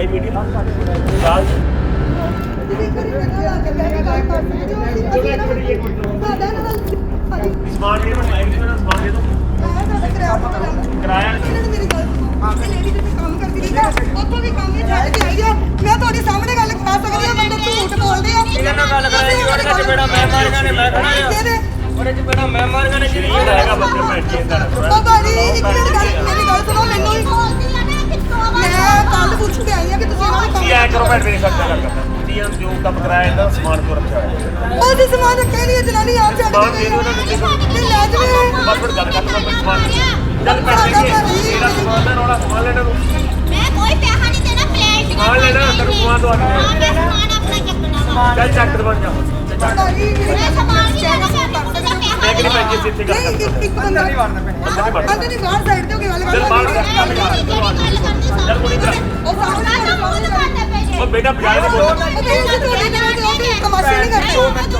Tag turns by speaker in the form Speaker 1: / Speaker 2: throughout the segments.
Speaker 1: ਭਾਈ ਮੀਡੀਆ ਚਾਲ ਸਮਾਨ ਦੇ ਦੋ ਸਮਾਨ ਦੇ ਦੋ ਕਿਰਾਇਆ
Speaker 2: ਉੱਥੋਂ ਵੀ ਕੰਮ ਹੀ ਛੱਡ ਕੇ ਆਈ ਆ। ਮੈਂ ਤੁਹਾਡੇ ਸਾਹਮਣੇ ਗੱਲ ਕਰਾ ਸਕਦੀ ਹਾਂ, ਬੰਦੇ ਝੂਠ ਬੋਲਦੇ ਆ।
Speaker 3: ਇਹਨਾਂ ਨਾਲ ਗੱਲ ਕਰਾਈ ਜੀ, ਉਹਦੇ ਵਿੱਚ ਬੇੜਾ ਮੈਂ ਮਾਰੀਆਂ ਨੇ, ਮੈਂ ਖੜਾ ਆ ਉਹਦੇ 'ਚ ਬੇੜਾ ਮੈਂ ਮਾਰੀਆਂ ਨੇ ਜਿਹੜੀ
Speaker 1: ਹੈਗਾ ਬੰਦੇ ਭੈਣ ਜੀ ਅੰਦਰ
Speaker 2: ਉਹ ਭਾਜੀ ਇੱਕ ਮਿੰਟ ਮੇਰੀ ਗੱਲ ਸੁਣੋ। ਮੈਨੂੰ ਮੈਂ ਕੱਲ ਪੁੱਛ ਕੇ ਆਈ ਆ ਕਿ ਤੁਸੀਂ ਇਹਨਾਂ ਨੂੰ
Speaker 1: ਕੀ ਐ ਕਰੋ ਭੈਣ ਮੇਰੀ ਸੱਚਾ ਗੱਲ ਕਰਦਾ ਤੁਸੀਂ ਜੋ ਕੰਮ ਕਰਾਇਆ ਇਹਦਾ ਸਮਾਨ ਕਿਉਂ ਰੱਖਿਆ ਹੋਇਆ
Speaker 2: ਉਹ ਜੀ ਸਮਾਨ ਰੱਖਿਆ ਨਹੀਂ, ਜਨਾਨੀ ਆਪ ਛੱਡ
Speaker 1: ਸਮਾਨ
Speaker 2: ਕੇ
Speaker 1: ਦੇ
Speaker 2: ਗਈ
Speaker 1: ਦਿਓ ਉਹਨਾਂ ਨੂੰ, ਦੇ ਦਿਓ।
Speaker 2: ਤੇ ਲੈ ਜਾਵੇ।
Speaker 1: ਬਸ ਫਿਰ ਗੱਲ ਕਰ ਲਓ ਸਮਾਨ ਚੱਲ ਭੈਣ ਜੀ ਇਹਦਾ ਸਮਾਨ ਦਾ ਰੌਲਾ ਸਮਾਨ ਲੈਣਾ ਨੂੰ
Speaker 4: ਮੈਂ ਕੋਈ ਪੈਸਾ ਨਹੀਂ ਦੇਣਾ ਪਲੇਟ
Speaker 1: ਸਮਾਨ ਲੈਣਾ ਤੈਨੂੰ ਸਮਾਨ ਦਵਾ
Speaker 4: ਹਾਂ
Speaker 1: ਦਿੰਦੇ
Speaker 4: ਮੈਂ ਸਮਾਨ ਆਪਣਾ ਚੱਕਣਾ ਵਾ
Speaker 1: ਚੱਲ ਚੱਕ ਬਣ ਜਾ
Speaker 2: ਭਾਜੀ
Speaker 4: ਮੈਂ ਸਮਾਨ ਨਹੀਂ ਲੈਣਾ ਮੈਂ
Speaker 1: ਮੈਂ ਕਿਹੜੀ ਭੈਣ ਜੀ ਇੱਥੇ ਗੱਲ ਕਰਦਾ
Speaker 2: ਇੱਕ ਬੰਦਾ ਨਹੀਂ ਵੜਨਾ ਪੈਣਾ। ਅੰਦਰ ਨਹੀਂ ਬਾਹਰ ਸਾਈਡ ਤੇ ਹੋ ਕੇ ਗੱਲ
Speaker 1: ਚੱਲ ਬਾਹਰ
Speaker 2: ਕਰ।
Speaker 1: ਚੱਲ ਕੋਈ ਨਹੀਂ
Speaker 2: ਉਹ ਸਾਹਮਣੇ
Speaker 1: ਉਹ ਬੇਟਾ ਬਜਾਏ ਨਹੀਂ ਬੋਲਦਾ
Speaker 2: ਉਹ ਤੁਹਾਡੇ ਨਾਲ ਉਹ ਵੀ ਤਮਾਸ਼ੇ ਨਹੀਂ ਕਰਦੇ।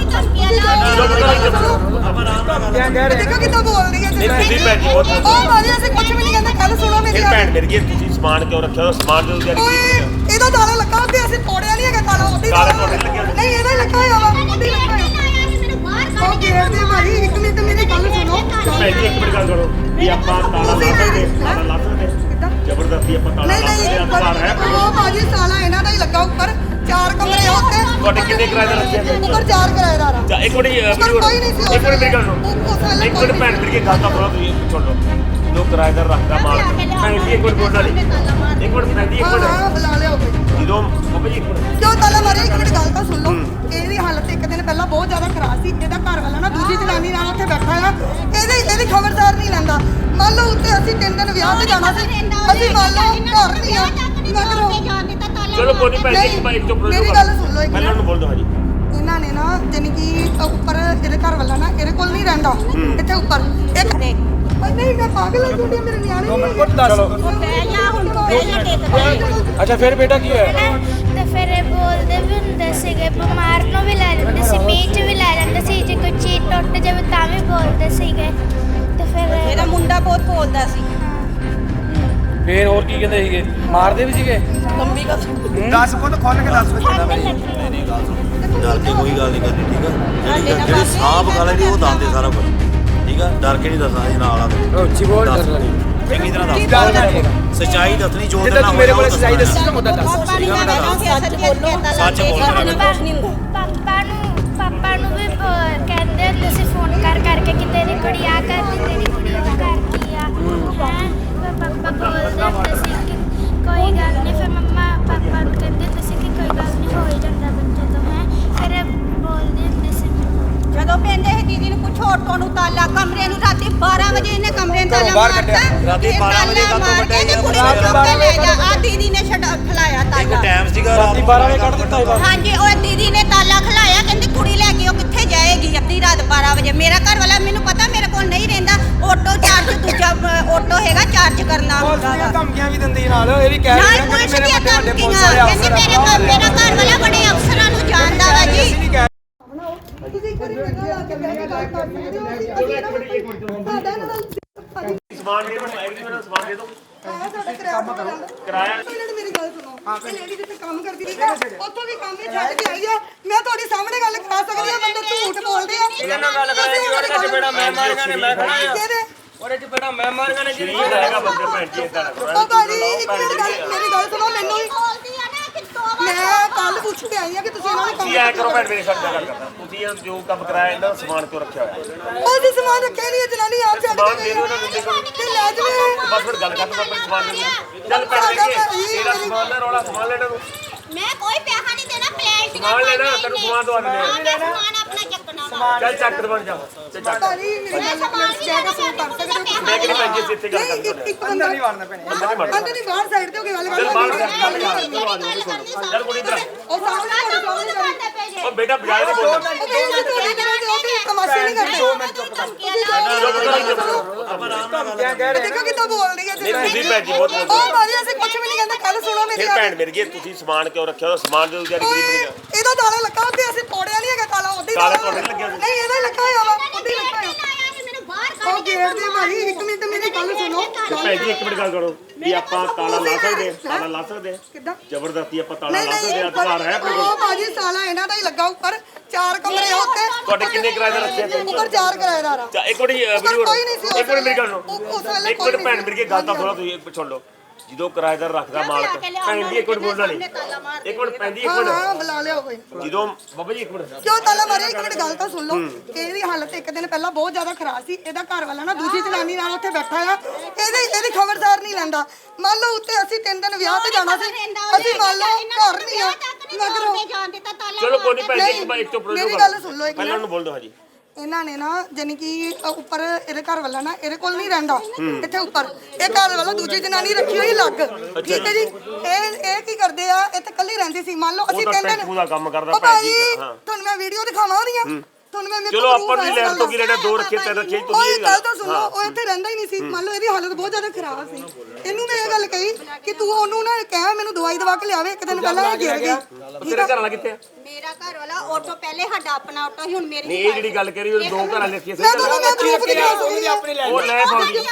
Speaker 2: ਦੇਖੋ ਕਿੱਦਾਂ ਬੋਲ ਰਹੀ ਹੈ
Speaker 1: ਨਹੀਂ ਤੁਸੀਂ ਭੈਣ ਜੀ ਬਹੁਤ
Speaker 2: ਉਹ ਮਾਰੇ ਅਸੀਂ ਕੁਝ ਵੀ ਨਹੀਂ ਕਹਿੰਦੇ। ਕੱਲ ਸੁਣੋ ਮੇਰੀ
Speaker 1: ਫਿਰ ਭੈਣ ਮੇਰੀ ਤੁਸੀਂ ਸਮਾਨ ਕਿਉਂ ਰੱਖਿਆ ਹੋਇਆ ਸਮਾਨ ਜੋ ਜਾਰੀ
Speaker 2: ਓਏ ਇਹਦਾ ਤਾਲਾ ਲੱਗਾ ਉੱਤੇ, ਅਸੀਂ ਤੋੜਿਆ ਨਹੀਂ ਹੈਗਾ ਤਾਲਾ ਉੱਤੇ
Speaker 1: ਤਾਲਾ ਤੁਹਾਡੇ ਲੱਗਿਆ ਹੋਇਆ?
Speaker 2: ਨਹੀਂ ਇਹਦਾ ਹੀ ਲੱਗਾ ਹੋਇਆ ਵਾ, ਉੱਤੇ ਹੀ ਲੱਗਾ ਹੋਇਆ। ਉਹ ਗੇਟ ਦੇ ਭਾਈ ਇੱਕ ਮਿੰਟ ਮੇਰੀ ਗੱਲ ਸੁਣੋ।
Speaker 1: ਭੈਣ ਜੀ ਇੱਕ ਮਿੰਟ ਗੱਲ ਕਰੋ ਵੀ ਆਪਾਂ ਤਾਲਾ ਲਾ ਸਕਦੇ ਤਾਲਾ ਲਾ ਸਕਦੇ ਜ਼ਬਰਦਸਤੀ ਆਪਾਂ ਤਾਲਾ
Speaker 2: ਨਹੀਂ
Speaker 1: ਲਾ ਸਕਦੇ
Speaker 2: ਨਹੀਂ
Speaker 1: ਅਧਿਕਾਰ ਹੈ
Speaker 2: ਉਹ ਭਾਜੀ ਤਾਲਾ ਇਹਨਾਂ ਦਾ ਹੀ ਲੱਗਾ ਉੱਪਰ। 4 ਕਮਰੇ ਆ ਉੱਤੇ।
Speaker 1: ਤੁਹਾਡੇ ਕਿੰਨੇ ਕਿਰਾਏਦਾਰ ਰੱਖੇ ਆ
Speaker 2: ਉੱਪਰ 4 ਕਿਰਾਏਦਾਰ ਆ।
Speaker 1: ਚਾ ਇੱਕ ਮਿੰਟ
Speaker 2: ਕੋਈ ਨਹੀਂ ਸੀ
Speaker 1: ਇੱਕ ਮਿੰਟ ਮੇਰੀ ਗੱਲ ਸੁਣੋ ਇੱਕ ਮਿੰਟ ਭੈਣ ਮੇਰੀ ਗੱਲ ਤਾਂ ਸੁਣੋ ਤੁਸੀਂ ਸੁਣ ਲਓ ਜੋ ਕਿਰਾਏਦਾਰ ਰੱਖਦਾ ਮਾਲਕ ਭੈਣ ਜੀ ਇੱਕ ਮਿੰਟ ਬੋਲਣਾ ਨਹੀਂ ਇੱਕ ਮਿੰਟ ਭੈਣ ਜੀ ਇੱਕ
Speaker 2: ਹਾਂ
Speaker 1: ਮਿੰਟ
Speaker 2: ਬੁਲਾ ਲਿਆ ਉੱਤੇ।
Speaker 1: ਜਦੋਂ ਬਾਬਾ ਜੀ ਇੱਕ ਮਿੰਟ
Speaker 2: ਜੋ ਤਾਲਾ ਮਾਰਿਆ ਇੱਕ ਮਿੰਟ ਗੱਲ ਤਾਂ ਸੁਣ ਲਓ। ਇਹਦੀ ਹਾਲਤ ਇੱਕ ਦਿਨ ਪਹਿਲਾਂ ਬਹੁਤ ਜ਼ਿਆਦਾ ਖਰਾਬ ਸੀ। ਇਹਦਾ ਘਰ ਵਾਲਾ ਨਾ ਦੂਜੀ ਜਨਾਨੀ ਨਾਲ ਉੱਥੇ ਬੈਠਾ ਆ। ਇਹਦੀ ਖਬਰਦਾਰ ਨਹੀਂ ਲੈਂਦਾ। ਮੰਨ ਲਓ ਉੱਤੇ ਅਸੀਂ 3 ਦਿਨ ਵਿਆਹ ਤੇ ਜਾਣਾ ਸੀ, ਅਸੀਂ ਮੰਨ ਲਓ ਘਰ ਨਹੀਂ ਆ
Speaker 1: ਚਲੋ ਕੋਈ ਨਹੀਂ ਭੈਣ ਜੀ ਇੱਕ ਭਾਈ ਚੁੱਪ ਰਹੋ
Speaker 2: ਮੇਰੀ ਗੱਲ ਸੁਣ ਲਓ ਇੱਕ
Speaker 1: ਪਹਿਲਾਂ ਨੂੰ ਬੋਲ ਦਿਓ ਹਾਂਜੀ
Speaker 2: ਇਹਨਾਂ ਨੇ ਨਾ ਜਾਨੀ ਕਿ ਉੱਪਰ ਇਹਦੇ ਘਰ ਵਾਲਾ ਨਾ ਇਹਦੇ ਕੋਲ ਨਹੀਂ ਰਹਿੰਦਾ ਇੱਥੇ ਉੱਪਰ ਇੱਕ ਨਹੀਂ ਮੈਂ ਪਾਗਲ ਹਾਂ ਤੁਹਾਡੇ ਮੇਰੇ ਨਿਆਣੇ
Speaker 3: ਅੱਛਾ ਫਿਰ ਬੇਟਾ ਕੀ ਹੋਇਆ
Speaker 4: ਤੇ ਫਿਰ ਇਹ ਬੋਲਦੇ ਵੀ ਹੁੰਦੇ ਸੀਗੇ, ਬਿਮਾਰ ਨੂੰ ਵੀ ਲੈ ਜਾਂਦੇ ਸੀ, ਮੀਂਹ 'ਚ ਵੀ ਲੈ ਜਾਂਦੇ ਸੀ, ਜੇ ਕੋਈ ਚੀਜ਼ ਟੁੱਟ ਜਾਵੇ ਤਾਂ ਵੀ ਬੋਲਦੇ ਸੀਗੇ। ਤੇ ਫਿਰ
Speaker 5: ਮੇਰਾ ਮੁੰਡਾ ਬਹੁਤ ਬੋਲਦਾ ਸੀ।
Speaker 3: ਫਿਰ ਹੋਰ ਕੀ ਕਹਿੰਦੇ ਸੀਗੇ ਮਾਰਦੇ ਵੀ ਸੀਗੇ
Speaker 5: ਲੰਬੀ ਗੱਲ
Speaker 3: ਦੱਸ ਪੁੱਤ ਖੋਲ ਕੇ ਦੱਸ
Speaker 6: ਡਰ ਕੇ ਕੋਈ ਗੱਲ ਨਹੀਂ ਕਰਨੀ ਠੀਕ ਆ ਜਿਹੜੀ ਸਾਂਭ ਗੱਲ ਹੈ ਉਹ ਦੱਸਦੇ ਸਾਰਾ ਕੁਝ ਠੀਕ ਆ ਡਰ ਕੇ ਨਹੀਂ ਦੱਸਣਾ ਇਹ ਨਾਲ ਆ
Speaker 3: ਉੱਚੀ ਬੋਲ
Speaker 6: ਚੰਗੀ ਤਰ੍ਹਾਂ ਦੱਸ ਸੱਚਾਈ ਦੱਸਣੀ ਜੋ
Speaker 3: ਜਿੱਦਾਂ ਤੂੰ ਮੇਰੇ ਕੋਲ ਸੱਚਾਈ ਦੱਸੀ ਤਾਂ ਮੁੱਦਾ ਦੱਸ
Speaker 6: ਸੱਚ ਬੋਲਣਾ
Speaker 4: ਪਾਪਾ ਨੂੰ ਵੀ ਕਹਿੰਦੇ ਹੁੰਦੇ ਸੀ ਫੋਨ ਕਰਕੇ ਕਿ ਤੇਰੀ ਕੁੜੀ ਆ ਕਰਦੀ, ਤੇਰੀ ਕੁੜੀ ਉਹ ਕਰਦੀ ਆ ਹੈਂ। ਪਾਪਾ ਬੋਲਦੇ ਹੁੰਦੇ ਸੀ ਕਿ ਕੋਈ ਗੱਲ ਨਹੀਂ। ਫਿਰ ਮੰਮਾ ਪਾਪਾ ਨੂੰ ਕਹਿੰਦੇ ਹੁੰਦੇ ਸੀ ਕਿ ਕੋਈ ਗੱਲ ਨਹੀਂ ਹੋ ਹੀ ਜਾਂਦਾ ਬੱਚੇ ਤੋਂ ਹੈ। ਫਿਰ ਬੋਲਦੇ ਹੁੰਦੇ ਸੀ
Speaker 5: ਜਦੋਂ ਪੈਂਦੇ ਸੀ ਦੀਦੀ ਨੂੰ ਪੁੱਛੋ ਤੁਹਾਨੂੰ ਤਾਲਾ ਕਮਰੇ ਨੂੰ ਰਾਤੀ 12 ਵਜੇ ਇਹਨੇ ਕਮਰੇ ਨੂੰ ਤਾਲਾ ਮਾਰਤਾ।
Speaker 6: ਰਾਤੀ 12 ਵਜੇ ਕਾਹਤੋਂ ਵੱਢਿਆ
Speaker 5: ਇਹਨੇ
Speaker 6: ਯਾਰ?
Speaker 5: ਕੁੜੀ ਨੂੰ ਚੁੱਕ ਕੇ ਲੈ ਜਾ। ਆ ਦੀਦੀ ਨੇ ਖਲਾਇਆ
Speaker 6: ਇੱਕ
Speaker 5: ਤਾਲਾ।
Speaker 6: ਟਾਈਮ ਸੀਗਾ
Speaker 3: ਰਾਤੀ 12 ਵਜੇ ਕੱਢ ਦਿੱਤਾ ਇਹ
Speaker 5: ਹਾਂਜੀ ਉਹ ਦੀਦੀ ਨੇ ਤਾਲਾ ਖਲਾਇਆ, ਕਹਿੰਦੀ ਕੁੜੀ ਲੈ ਕੇ ਉਹ ਕਿੱਥੇ ਜਾਏਗੀ ਅੱਧੀ ਰਾਤ 12 ਵਜੇ। ਮੇਰਾ ਘਰ ਵਾਲਾ ਮੈਨੂੰ ਪਤਾ ਮੇਰੇ ਕੋਲ ਨਹੀਂ ਰਹਿੰਦਾ। ਆਟੋ ਚਾਰਜ ਦੂਜਾ ਆਟੋ ਹੈਗਾ ਚਾਰਜ ਕਰਨਾ ਹੁੰਦਾ ਵਾ।
Speaker 3: ਧਮਕੀਆਂ ਵੀ ਦਿੰਦੀ ਨਾਲ ਇਹ ਵੀ ਕਹਿ
Speaker 5: ਨਾਲ
Speaker 3: ਰਹੀ ਹੈ
Speaker 5: ਪੁਲਿਸ
Speaker 3: ਕਿ ਮੇਰੇ
Speaker 5: ਦੀਆਂ
Speaker 3: ਵੱਡੇ ਵੱਡੇ ਪੁਲਿਸ
Speaker 5: ਧਮਕੀਆਂ।
Speaker 3: ਵਾਲੇ
Speaker 5: ਕਹਿੰਦੀ
Speaker 3: ਅਫਸਰ
Speaker 5: ਮੇਰਾ ਘਰ ਵਾਲਾ ਬੜੇ ਅਫਸਰਾਂ ਨੂੰ ਜਾਣਦਾ ਵਾ ਜੀ।
Speaker 2: ਤੁਸੀਂ ਇੱਕ ਵਾਰੀ ਮੇਰੇ ਨਾਲ ਆ ਕੇ ਬੈਠ ਕੇ ਗੱਲ ਕਰ ਸਕਦੇ ਹੋ। ਸਾਡਾ ਇਹਨਾਂ ਦਾ
Speaker 1: ਸਮਾਨ ਦੇ ਦਿਓ ਸਮਾਨ ਦੇ ਦਿਓ
Speaker 2: ਸਾਡਾ
Speaker 1: ਕਿਰਾਇਆ
Speaker 2: ਮੇਰੀ ਗੱਲ ਸੁਣੋ। ਇਹ ਲੇਡੀ ਜਿੱਥੇ ਕੰਮ ਕਰਦੀ ਰਹੀ ਆ, ਉੱਥੋਂ ਵੀ ਕੰਮ ਹੀ ਛੱਡ ਕੇ ਆਈ ਆ। ਮੈਂ ਤੁਹਾਡੇ ਸਾਹਮਣੇ ਗੱਲ ਕਰਾ ਸਕਦੀ ਹਾਂ, ਬੰਦੇ ਝੂਠ ਬੋਲਦੇ ਆ।
Speaker 3: ਇਹਨਾਂ ਨਾਲ ਗੱਲ ਕਰਾਈ ਜੀ, ਉਹਦੇ ਵਿੱਚ ਬੇੜਾ ਮੈਂ ਮਾਰੀਆਂ ਨੇ, ਮੈਂ ਖੜਾ ਆ
Speaker 2: ਕਿਹਦੇ?
Speaker 3: ਉਹਦੇ 'ਚ ਬੇੜਾ ਮੈਂ ਮਾਰੀਆਂ ਨੇ ਜਿਹੜੀ
Speaker 1: ਹੈਗਾ ਬੰਦੇ ਭੈਣ ਜੀ ਇਦਾਂ
Speaker 2: ਉਹ ਭਾਜੀ ਇੱਕ ਮਿੰਟ ਮੇਰੀ ਗੱਲ ਸੁਣੋ। ਮੈਨੂੰ ਮੈਂ ਕੱਲ ਪੁੱਛ ਕੇ ਆਈ ਆ ਕਿ ਤੁਸੀਂ ਇਹਨਾਂ ਨੂੰ
Speaker 1: ਕੀ ਐ ਕਰੋ ਭੈਣ ਮੇਰੀ ਸੱਚਾ ਗੱਲ ਕਰਦਾ ਤੁਸੀਂ ਜੋ ਕੰਮ ਕਰਾਇਆ ਇਹਦਾ ਸਮਾਨ ਕਿਉਂ ਰੱਖਿਆ ਹੋਇਆ
Speaker 2: ਉਹ ਜੀ ਸਮਾਨ ਰੱਖਿਆ ਨਹੀਂ, ਜਨਾਨੀ ਆਪ ਛੱਡ
Speaker 1: ਸਮਾਨ
Speaker 2: ਕੇ
Speaker 1: ਦੇ
Speaker 2: ਗਈ
Speaker 1: ਦਿਓ ਉਹਨਾਂ ਨੂੰ, ਦੇ ਦਿਓ।
Speaker 2: ਤੇ ਲੈ ਜਾਵੇ।
Speaker 1: ਬਸ ਫਿਰ ਗੱਲ ਕਰ ਲਓ ਆਪਣੇ ਸਮਾਨ ਦੇ ਦਿਓ। ਚੱਲ ਭੈਣ ਜੀ ਇਹਦਾ ਸਮਾਨ ਦਾ ਰੌਲਾ ਸਮਾਨ ਲੈਣਾ ਨੂੰ
Speaker 4: ਮੈਂ ਕੋਈ ਪੈਸਾ ਨਹੀਂ ਦੇਣਾ ਪਲੇਟ
Speaker 1: ਸਮਾਨ ਲੈਣਾ ਤੈਨੂੰ ਸਮਾਨ ਦਵਾ ਦਿੰਦੇ
Speaker 4: ਹਾਂ ਮੈਂ ਸਮਾਨ ਆਪਣਾ ਚੱਕਣਾ ਵਾ
Speaker 1: ਚੱਲ ਚੱਕ ਬਣ ਜਾ ਚੱਲ ਚੱਕ
Speaker 2: ਭਾਜੀ ਮੇਰੀ ਗੱਲ ਨਾਲ ਚੈੱਕ ਕਰ ਸਕਦੇ ਹੋ।
Speaker 1: ਮੈਂ ਕਿਹੜੀ ਭੈਣ ਜੀ ਇੱਥੇ ਗੱਲ
Speaker 2: ਨਹੀਂ
Speaker 1: ਕਰਦਾ
Speaker 2: ਇੱਕ ਬੰਦਾ
Speaker 3: ਨਹੀਂ ਮਾਰਨਾ ਪੈਣਾ
Speaker 2: ਅੰਦਰ ਨਹੀਂ ਬਾਹਰ ਸਾਈਡ ਤੇ ਹੋ ਕੇ ਗੱਲ
Speaker 1: ਚੱਲ ਬਾਹਰ
Speaker 2: ਕਰ।
Speaker 1: ਚੱਲ ਕੁੜੀ ਇੱਧਰ
Speaker 2: ਉਹ ਸਾਹਮਣੇ
Speaker 1: ਉਹ ਬੇਟਾ ਬਜਾਏ ਨਹੀਂ ਬੋਲਦਾ
Speaker 2: ਉਹ ਤਮਾਸ਼ੇ ਨਹੀਂ ਕਰਦੇ।
Speaker 3: ਧਮਕੀਆਂ ਕਹਿ ਰਹੇ
Speaker 2: ਦੇਖੋ ਕਿੱਦਾਂ ਬੋਲ ਰਹੀ ਹੈ
Speaker 1: ਨਹੀਂ ਤੁਸੀਂ ਭੈਣ ਜੀ ਬਹੁਤ ਬੋਲਦੇ
Speaker 2: ਉਹ ਭਾਜੀ ਅਸੀਂ ਕੁਝ ਵੀ ਨਹੀਂ ਕਹਿੰਦੇ। ਕੱਲ ਸੁਣੋ ਮੇਰੀ
Speaker 1: ਫਿਰ ਭੈਣ ਮੇਰੀ ਤੁਸੀਂ ਸਮਾਨ ਕਿਉਂ ਰੱਖਿਆ ਹੋਇਆ ਸਮਾਨ ਜੋ ਜਾਰੀ ਗਰੀਬ
Speaker 2: ਇਹਦਾ ਤਾਲਾ ਲੱਗਾ ਉੱਤੇ, ਅਸੀਂ ਤੋੜਿਆ ਨਹੀਂ ਹੈਗਾ ਤਾਲਾ ਉੱਤੇ ਹੀ
Speaker 1: ਤਾਲਾ
Speaker 2: ਲੱਗਾ
Speaker 1: ਤੁਹਾਡੇ ਲੱਗਿਆ ਹੋਇਆ?
Speaker 2: ਨਹੀਂ ਇਹਦਾ ਹੀ ਲੱਗਾ ਹੋਇਆ ਵਾ, ਉੱਤੇ ਹੀ ਲੱਗਾ ਹੋਇਆ।
Speaker 4: ਮੈਨੂੰ ਬਾਹਰ
Speaker 2: ਉਹ ਗੇਟ ਦੇ ਭਾਈ ਇੱਕ ਮਿੰਟ ਮੇਰੀ ਗੱਲ ਸੁਣੋ
Speaker 1: ਭੈਣ ਜੀ ਇੱਕ ਮਿੰਟ ਗੱਲ ਕਰੋ ਵੀ ਆਪਾਂ ਤਾਲਾ ਲਾ ਸਕਦੇ ਹਾਂ? ਤਾਲਾ ਲਾ ਸਕਦੇ ਹਾਂ?
Speaker 2: ਕਿੱਦਾਂ
Speaker 1: ਜ਼ਬਰਦਸਤੀ ਆਪਾਂ ਤਾਲਾ
Speaker 2: ਨਹੀਂ
Speaker 1: ਲਾ ਸਕਦੇ ਹਾਂ? ਅਧਿਕਾਰ ਹੈ ਆਪਣੇ ਕੋਲ?
Speaker 2: ਉਹ ਭਾਜੀ ਸਾਲਾ ਇਹਨਾਂ ਦਾ ਹੀ ਲੱਗਾ ਉੱਪਰ 4 ਕਮਰੇ ਉੱਤੇ
Speaker 1: ਤੁਹਾਡੇ ਕਿੰਨੇ ਕਿਰਾਏਦਾਰ ਰੱਖੇ ਤੇ
Speaker 2: ਉੱਪਰ 4 ਕਿਰਾਏਦਾਰ ਆ
Speaker 1: ਇੱਕ ਮਿੰਟ ਵੀਡੀਓ
Speaker 2: ਕੋਈ ਨਹੀਂ ਸੀ
Speaker 1: ਇੱਕ ਮਿੰਟ ਮੇਰੀ ਗੱਲ ਸੁਣੋ
Speaker 2: ਉਸ ਵੇਲੇ
Speaker 1: ਇੱਕ ਮਿੰਟ ਭੈਣ ਮੇਰੀ ਕੀ ਗੱਲ ਤਾਂ ਸੁਣੋ ਤੁਸੀਂ ਸੁਣ ਲਓ ਜਦੋਂ ਕਿਰਾਏਦਾਰ ਰੱਖਦਾ ਮਾਲਕ ਭੈਣ ਜੀ ਇੱਕ ਮਿੰਟ ਬੋਲਣਾ ਨਹੀਂ ਇੱਕ ਮਿੰਟ ਭੈਣ ਜੀ ਇੱਕ ਮਿੰਟ
Speaker 2: ਹਾਂ ਬੁਲਾ ਲਿਓ ਕੋਈ
Speaker 1: ਜਦੋਂ ਬਾਬਾ ਜੀ ਇੱਕ ਮਿੰਟ
Speaker 2: ਕਿਉਂ ਤਾਲਾ ਮਾਰਿਆ ਇੱਕ ਮਿੰਟ ਗੱਲ ਤਾਂ ਸੁਣ ਲਓ ਇਹਦੀ ਹਾਲਤ ਇੱਕ ਦਿਨ ਪਹਿਲਾਂ ਬਹੁਤ ਜ਼ਿਆਦਾ ਖਰਾਬ ਸੀ ਇਹਦਾ ਘਰ ਵਾਲਾ ਨਾ ਦੂਜੀ ਜਨਾਨੀ ਨਾਲ ਉੱਥੇ ਬੈਠਾ ਆ ਇਹਦੀ ਖਬਰਦਾਰ ਨਹੀਂ ਲੈਂਦਾ ਮੰਨ ਲਓ ਉੱਤੇ ਅਸੀਂ 3 ਦਿਨ ਵਿਆਹ ਤੇ ਜਾਣਾ ਸੀ ਅਸੀਂ ਮੰਨ ਲਓ ਘਰ ਨਹੀਂ ਆ ਮਗਰੋਂ
Speaker 1: ਚਲੋ ਕੋਈ ਨਹੀਂ ਭੈਣ ਜੀ ਇੱਕ ਤੋਂ
Speaker 2: ਮੇਰੀ ਗੱਲ ਸੁਣ ਲਓ ਇੱਕ
Speaker 1: ਪਹਿਲਾਂ ਉਹਨੂੰ ਬੋਲ ਦਿਓ ਹਾਂਜੀ
Speaker 2: ਇਹਨਾਂ ਨੇ ਨਾ ਜਾਨੀ ਕਿ ਉੱਪਰ ਇਹਦੇ ਘਰ ਵਾਲਾ ਨਾ ਇਹਦੇ ਕੋਲ ਨਹੀਂ ਰਹਿੰਦਾ ਇੱਥੇ ਉੱਪਰ ਇਹ ਘਰ ਵਾਲਾ ਦੂਜੀ ਜਨਾਨੀ ਰੱਖੀ ਹੋਈ ਲੱਗ ਠੀਕ ਹੈ ਜੀ ਇਹ ਕੀ ਕਰਦੇ ਆ ਇੱਥੇ ਕੱਲੀ ਰਹਿੰਦੀ ਸੀ ਮੰਨ ਲਓ ਅਸੀਂ
Speaker 1: ਉਹ ਤਾਂ
Speaker 2: ਕਹਿੰਦੇ
Speaker 1: ਟੈਂਪੂ ਦਾ ਕੰਮ ਕਰਦਾ
Speaker 2: ਉਹ
Speaker 1: ਭੈਣ
Speaker 2: ਭਾਜੀ
Speaker 1: ਜੀ ਹਾਂ
Speaker 2: ਤੁਹਾਨੂੰ ਮੈਂ ਵੀਡੀਓ ਦਿਖਾਵਾਂ ਉਹਦੀਆਂ ਤੁਹਾਨੂੰ ਮੈਂ ਮੇਰੇ
Speaker 1: ਚਲੋ ਆਪਾਂ ਨੂੰ ਲੈਣ ਤੋਂ ਕੀ ਲੈਣਾ 2 ਰੱਖੇ 3 ਰੱਖੇ
Speaker 2: ਉਹ
Speaker 1: ਤੁਸੀਂ
Speaker 2: ਇਹ ਗੱਲ ਤਾਂ ਸੁਣੋ ਉਹ ਇੱਥੇ ਰਹਿੰਦਾ ਹੀ ਨਹੀਂ ਸੀ ਮੰਨ ਲਓ ਇਹਦੀ ਹਾਲਤ ਬਹੁਤ ਜ਼ਿਆਦਾ ਖਰਾਬ ਸੀ ਇਹਨੂੰ ਮੈਂ ਇਹ ਗੱਲ ਕਹੀ ਕਿ ਤੂੰ ਉਹਨੂੰ ਨਾ ਕਹਿ ਮੈਨੂੰ ਦਵਾਈ ਦਵਾ ਕੇ ਲਿਆਵੇ ਇੱਕ ਦਿਨ ਪਹਿਲਾਂ ਇਹ ਗਿਰ ਗਈ
Speaker 1: ਤੇਰੇ ਘਰ ਵਾਲਾ ਕਿੱਥੇ ਆ
Speaker 5: ਮੇਰਾ ਘਰ ਵਾਲਾ ਆਟੋ ਪਹਿਲੇ ਸਾਡਾ ਆਪਣਾ ਆਟੋ ਸੀ ਹੁਣ ਮੇਰੀ
Speaker 1: ਨਹੀਂ ਇਹ ਜਿਹੜੀ ਗੱਲ ਕਰੀ ਉਹ 2 ਘਰਾਂ ਲਿਖੀ
Speaker 2: ਮੈਂ ਤੁਹਾਨੂੰ ਮੈਂ ਪ੍ਰੂਫ ਦਿਖਾ ਸਕਦੀ ਆ
Speaker 1: ਉਹ ਲੈ ਫੌਜੀ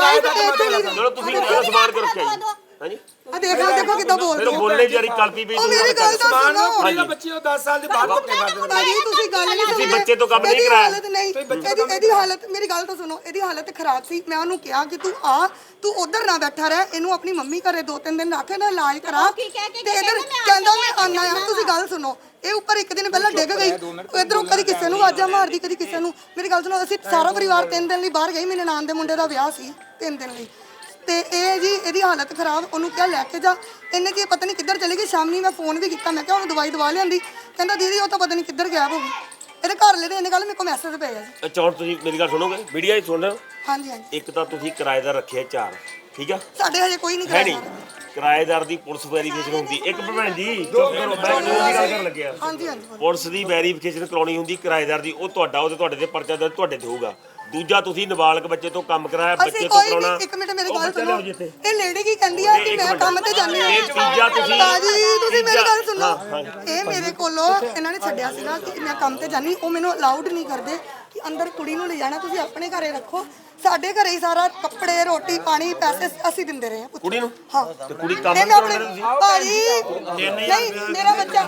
Speaker 1: ਚਲੋ ਤੁਸੀਂ ਸਮਾਨ ਕੇ ਰੱਖਿਆ ਜੀ ਹਾਂਜੀ
Speaker 2: ਆ ਦੇਖੋ ਕਿੱਦਾਂ
Speaker 1: ਫਿਰ
Speaker 2: ਬੋਲਦੇ
Speaker 1: ਉਹ ਬੋਲਣੇ ਜਾਰੀ ਕਲਪੀ ਵੀ
Speaker 2: ਉਹ ਮੇਰੀ ਗੱਲ ਤਾਂ ਸੁਣੋ
Speaker 3: ਕੁੜੀ ਦਾ ਬੱਚੀ ਉਹ 10 ਸਾਲ ਦੇ ਬਾਅਦ ਧੱਕੇ ਮਾਰਦੇ
Speaker 2: ਭਾਜੀ ਤੁਸੀਂ ਗੱਲ ਨਹੀਂ
Speaker 1: ਤੁਸੀਂ
Speaker 2: ਸੁਣੀ
Speaker 1: ਬੱਚੇ ਤੋਂ ਕੰਮ ਨਹੀਂ
Speaker 2: ਇਹਦੀ
Speaker 1: ਕਰਾਇਆ।
Speaker 2: ਹਾਲਤ ਨਹੀਂ ਇਹਦੀ ਹਾਲਤ ਮੇਰੀ ਗੱਲ ਤਾਂ ਸੁਣੋ ਇਹਦੀ ਹਾਲਤ ਖਰਾਬ ਸੀ ਮੈਂ ਉਹਨੂੰ ਕਿਹਾ ਕਿ ਤੂੰ ਆ ਤੂੰ ਉਧਰ ਨਾ ਬੈਠਾ ਰਹਿ ਇਹਨੂੰ ਆਪਣੀ ਮੰਮੀ ਘਰੇ 2-3 ਦਿਨ ਰੱਖ ਇਹਦਾ ਇਲਾਜ ਕਰਾ ਤੇ ਇਧਰ ਕਹਿੰਦਾ ਮੈਂ ਆਨਾ ਆ ਤੁਸੀਂ ਗੱਲ ਸੁਣੋ ਇਹ ਉੱਪਰ ਇੱਕ ਦਿਨ ਪਹਿਲਾਂ ਡਿੱਗ ਗਈ ਇਧਰੋਂ ਕਦੀ ਕਿਸੇ ਨੂੰ ਆਵਾਜ਼ਾਂ ਮਾਰਦੀ ਕਦੀ ਕਿਸੇ ਨੂੰ ਮੇਰੀ ਗੱਲ ਸੁਣੋ ਅਸੀਂ ਸਾਰਾ ਪਰਿਵਾਰ 3 ਦਿਨ ਲਈ ਬਾਹਰ ਗਏ ਮੇਰੇ ਨਾਨ ਦੇ ਮੁੰਡੇ ਦਾ ਵਿਆਹ ਸੀ 3 ਦਿਨ ਲਈ ਤੇ ਇਹ ਜੀ ਇਹਦੀ ਹਾਲਤ ਖਰਾਬ ਉਹਨੂੰ ਕਿਹਾ ਲੈ ਕੇ ਜਾ ਇਹਨੇ ਕੀ ਪਤਾ ਨਹੀਂ ਕਿੱਧਰ ਚਲੀ ਗਈ ਸ਼ਾਮੀ ਮੈਂ ਫੋਨ ਵੀ ਕੀਤਾ ਮੈਂ ਕਿਹਾ ਉਹਨੂੰ ਦਵਾਈ ਦਵਾ ਲਿਆਂਦੀ ਕਹਿੰਦਾ ਦੀਦੀ ਉਹ ਤਾਂ ਪਤਾ ਨਹੀਂ ਕਿੱਧਰ ਗਿਆ ਹੋਊਗੀ ਇਹਦੇ ਘਰ ਲੈ ਦੇ ਇਹਨੇ ਕੱਲ ਮੇਰੇ ਕੋਲ ਮੈਸੇਜ ਪਿਆ ਜੀ
Speaker 1: ਅੱਛਾ ਹੁਣ ਤੁਸੀਂ ਮੇਰੀ ਗੱਲ ਸੁਣੋਗੇ ਵੀਡੀਓ ਹੀ ਸੁਣ ਰਹੇ ਹੋ
Speaker 2: ਹਾਂਜੀ ਹਾਂਜੀ
Speaker 1: ਇੱਕ ਤਾਂ ਤੁਸੀਂ ਕਿਰਾਏਦਾਰ ਰੱਖਿਆ 4 ਠੀਕ ਆ
Speaker 2: ਸਾਡੇ ਹਜੇ ਕੋਈ ਨਹੀਂ
Speaker 1: ਹੈ ਨਹੀਂ ਕਿਰਾਏਦਾਰ ਦੀ ਪੁਲਿਸ ਵੈਰੀਫਿਕੇਸ਼ਨ ਹੁੰਦੀ ਇੱਕ ਭੈਣ ਜੀ ਚੁੱਪ ਕਰੋ ਮੈਂ ਕਾਨੂੰਨ ਦੀ ਗੱਲ ਕਰਨ ਲੱਗਿਆ
Speaker 2: ਹਾਂਜੀ ਹਾਂਜੀ
Speaker 1: ਪੁਲਿਸ ਦੀ ਵੈਰੀਫਿਕੇਸ਼ਨ ਕਰਾਉਣੀ ਹੁੰਦੀ ਕਿਰਾਏਦਾਰ ਦੀ ਉਹ ਤੁਹਾਡਾ ਉਹਦੇ ਤੁਹਾਡੇ ਤੇ ਪਰਚਾ ਦਰਜ ਤੁਹਾਡੇ ਤੇ ਹੋਊਗਾ ਦੂਜਾ ਤੁਸੀਂ ਨਾਬਾਲਗ ਬੱਚੇ ਤੋਂ ਕੰਮ ਕਰਾਇਆ ਬੱਚੇ
Speaker 2: ਅਸੀਂ
Speaker 1: ਤੋਂ
Speaker 2: ਕੋਈ
Speaker 1: ਕਰਾਉਣਾ
Speaker 2: ਨਹੀਂ ਇੱਕ ਮਿੰਟ ਮੇਰੀ
Speaker 1: ਉਹ
Speaker 2: ਗੱਲ
Speaker 1: ਬੱਚਾ
Speaker 2: ਸੁਣੋ
Speaker 1: ਲਿਆਓ ਜੀ ਇੱਥੇ।
Speaker 2: ਇਹ ਲੇਡੀ ਕੀ ਕਹਿੰਦੀ ਆ ਕਿ ਮੈਂ ਕੰਮ ਤੇ ਜਾਂਦੀ ਹਾਂ
Speaker 1: ਇਹ ਤੀਜਾ ਤੁਸੀਂ
Speaker 2: ਬਾਜੀ ਤੁਸੀਂ ਮੇਰੀ ਗੱਲ ਸੁਣੋ
Speaker 1: ਹਾਂ,
Speaker 2: ਇਹ ਮੇਰੇ ਕੋਲੋਂ ਇਹਨਾਂ ਨੇ ਛੱਡਿਆ ਸੀਗਾ ਕਿ ਮੈਂ ਕੰਮ ਤੇ ਜਾਨੀ ਉਹ ਮੈਨੂੰ ਅਲਾਉਡ ਨਹੀਂ ਕਰਦੇ ਕਿ ਅੰਦਰ ਕੁੜੀ ਨੂੰ ਲੈ ਜਾਣਾ ਤੁਸੀਂ ਆਪਣੇ ਘਰੇ ਰੱਖੋ ਸਾਡੇ ਘਰੇ ਹੀ ਸਾਰਾ ਕੱਪੜੇ ਰੋਟੀ ਪਾਣੀ ਪੈਸੇ ਅਸੀਂ ਦਿੰਦੇ ਰਹੇ ਹਾਂ
Speaker 1: ਕੁੜੀ ਨੂੰ
Speaker 2: ਹਾਂ
Speaker 1: ਤੇ ਕੁੜੀ ਕੰਮ
Speaker 2: ਇਹ
Speaker 1: ਨਹੀਂ
Speaker 2: ਮੈਂ ਆਪਣੇ
Speaker 1: ਕਰਾਉਂਦੀ
Speaker 2: ਭਾਜੀ ਨਹੀਂ ਮੇਰਾ ਬੱਚਾ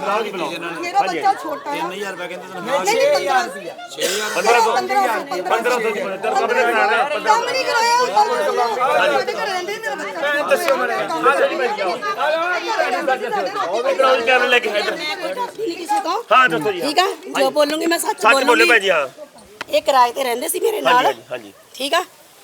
Speaker 2: ਛੋਟਾ ਹੈ
Speaker 6: 3000 ਰੁਪਏ ਕਹਿੰਦੇ ਤੈਨੂੰ
Speaker 2: ਨਹੀਂ 1500
Speaker 1: ਕੰਮ ਨਹੀਂ ਕਰਾਣਾ
Speaker 2: ਕੰਮ ਨਹੀਂ ਕਰਾਇਆ ਸਾਡੇ ਘਰੇ ਰਹਿੰਦੇ ਮੇਰਾ ਬੱਚਾ ਦੱਸਿਓ
Speaker 1: ਕਰਾਉਣ ਕਰਨ ਲੈ ਕੇ ਇੱਧਰ
Speaker 7: ਕਿਸੇ ਤੋਂ
Speaker 1: ਹਾਂ ਦੱਸੋ ਜੀ
Speaker 7: ਠੀਕ ਆ ਜੋ ਬੋਲੂੰਗੀ ਮੈਂ ਸੱਚ
Speaker 1: ਸੱਚ ਬੋਲੇ
Speaker 7: ਬੋਲੂੰਗੀ
Speaker 1: ਭਾਈ ਜੀ ਹਾਂ
Speaker 7: ਇਹ ਕਿਰਾਏ ਤੇ ਰਹਿੰਦੇ ਸੀ ਮੇਰੇ ਨਾਲ
Speaker 1: ਹਾਂਜੀ ਹਾਂਜੀ
Speaker 7: ਠੀਕ ਆ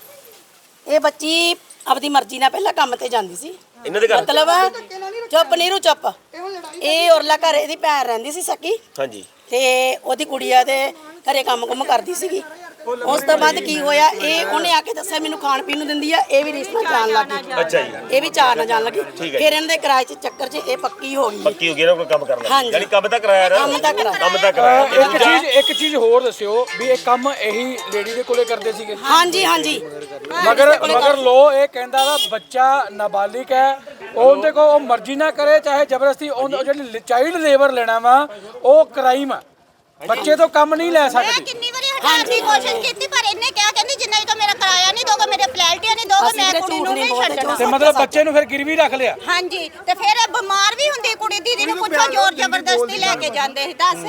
Speaker 7: ਇਹ ਬੱਚੀ ਆਪਦੀ ਮਰਜ਼ੀ ਨਾਲ ਪਹਿਲਾਂ ਕੰਮ ਤੇ ਜਾਂਦੀ ਸੀ
Speaker 1: ਇਹਨਾਂ ਦੇ ਘਰ
Speaker 7: ਮਤਲਬ ਚੁੱਪ ਨੀਰੂ ਚੁੱਪ ਇਹ ਔਰਲਾ ਘਰ ਇਹਦੀ ਭੈਣ ਰਹਿੰਦੀ ਸੀ ਸਕੀ
Speaker 1: ਹਾਂਜੀ
Speaker 7: ਤੇ ਉਹਦੀ ਕੁੜੀਆ ਦੇ ਘਰੇ ਕੰਮ ਕਰਦੀ ਸੀਗੀ ਉਸ ਤੋਂ ਬਾਅਦ ਕੀ ਹੋਇਆ ਇਹ ਉਹਨੇ ਆ ਕੇ ਦੱਸਿਆ ਮੈਨੂੰ ਖਾਣ ਪੀਣ ਨੂੰ ਦਿੰਦੀ ਆ ਇਹ ਵੀ ਰਿਸ਼ਤਾ ਜਾਣ ਲੱਗ ਗਈ
Speaker 1: ਅੱਛਾ ਜੀ
Speaker 7: ਇਹ ਵੀ ਚਾਰ ਨਾ ਜਾਣ ਲੱਗੀ
Speaker 1: ਠੀਕ ਹੈ
Speaker 7: ਫਿਰ ਇਹਨਾਂ ਦੇ ਕਿਰਾਏ ਚ ਚੱਕਰ ਚ ਇਹ ਪੱਕੀ ਹੋ ਗਈ
Speaker 1: ਪੱਕੀ ਹੋ ਗਈ ਨਾ ਕੋਈ ਕੰਮ ਕਰਨਾ
Speaker 7: ਹਾਂਜੀ।
Speaker 1: ਯਾਨੀ ਕੰਮ ਤਾਂ ਕਰਾਇਆ ਨਾ
Speaker 7: ਕੰਮ ਤਾਂ ਕਰਾਇਆ।
Speaker 1: ਕੰਮ ਤਾਂ ਕਰਾਇਆ
Speaker 3: ਇੱਕ ਚੀਜ਼ ਹੋਰ ਦੱਸਿਓ ਵੀ ਇਹ ਕੰਮ ਇਹੀ ਲੇਡੀ ਦੇ ਕੋਲੇ ਕਰਦੇ ਸੀਗੇ
Speaker 7: ਹਾਂਜੀ ਹਾਂਜੀ
Speaker 3: ਮਗਰ ਲੋ ਇਹ ਕਹਿੰਦਾ ਵਾ ਬੱਚਾ ਨਾਬਾਲਿਗ ਹੈ ਉਹਦੇ ਕੋ ਉਹ ਮਰਜ਼ੀ ਨਾ ਕਰੇ ਚਾਹੇ ਜ਼ਬਰਦਸਤੀ ਉਹ ਜਿਹੜੀ ਚਾਈਲਡ ਲੇਬਰ ਲੈਣਾ ਵਾ ਉਹ ਕ੍ਰਾਈਮ ਆ ਬੱਚੇ ਤੋਂ ਕੰਮ ਨਹੀਂ ਲੈ
Speaker 5: ਮੈਂ
Speaker 3: ਸਕਦੇ
Speaker 5: ਕਿੰਨੀ ਵਾਰੀ ਹਟਾਉਣ ਦੀ ਕੋਸ਼ਿਸ਼ ਕੀਤੀ ਪਰ ਇਹਨੇ ਕਿਹਾ ਕਹਿੰਦੀ ਜਿੰਨਾ ਤੋਂ ਮੇਰਾ ਕਿਰਾਇਆ ਨਹੀਂ ਦੋਗਾ ਮੇਰੇ ਪਲੈਲਟੀਆਂ ਨਹੀਂ ਦੋਗਾ
Speaker 7: ਅਸੀਂ
Speaker 5: ਮੈਂ
Speaker 7: ਤੇ
Speaker 5: ਕੁੜੀ
Speaker 7: ਝੂਠ
Speaker 5: ਨੂੰ
Speaker 7: ਨਹੀਂ
Speaker 5: ਨਹੀਂ
Speaker 7: ਬੋਲਦੇ,
Speaker 5: ਛੱਡਣਾ
Speaker 3: ਤੇ ਮਤਲਬ ਬੱਚੇ ਨੂੰ ਫਿਰ ਗਿਰਵੀ ਰੱਖ ਲਿਆ
Speaker 5: ਹਾਂਜੀ ਤੇ ਫਿਰ ਇਹ ਬਿਮਾਰ ਵੀ ਹੁੰਦੀ ਕੁੜੀ ਦੀਦੀ ਨੂੰ ਪੁੱਛੋ ਜ਼ੋਰ ਜ਼ਬਰਦਸਤੀ ਲੈ ਕੇ ਜਾਂਦੇ ਸੀ ਦੱਸ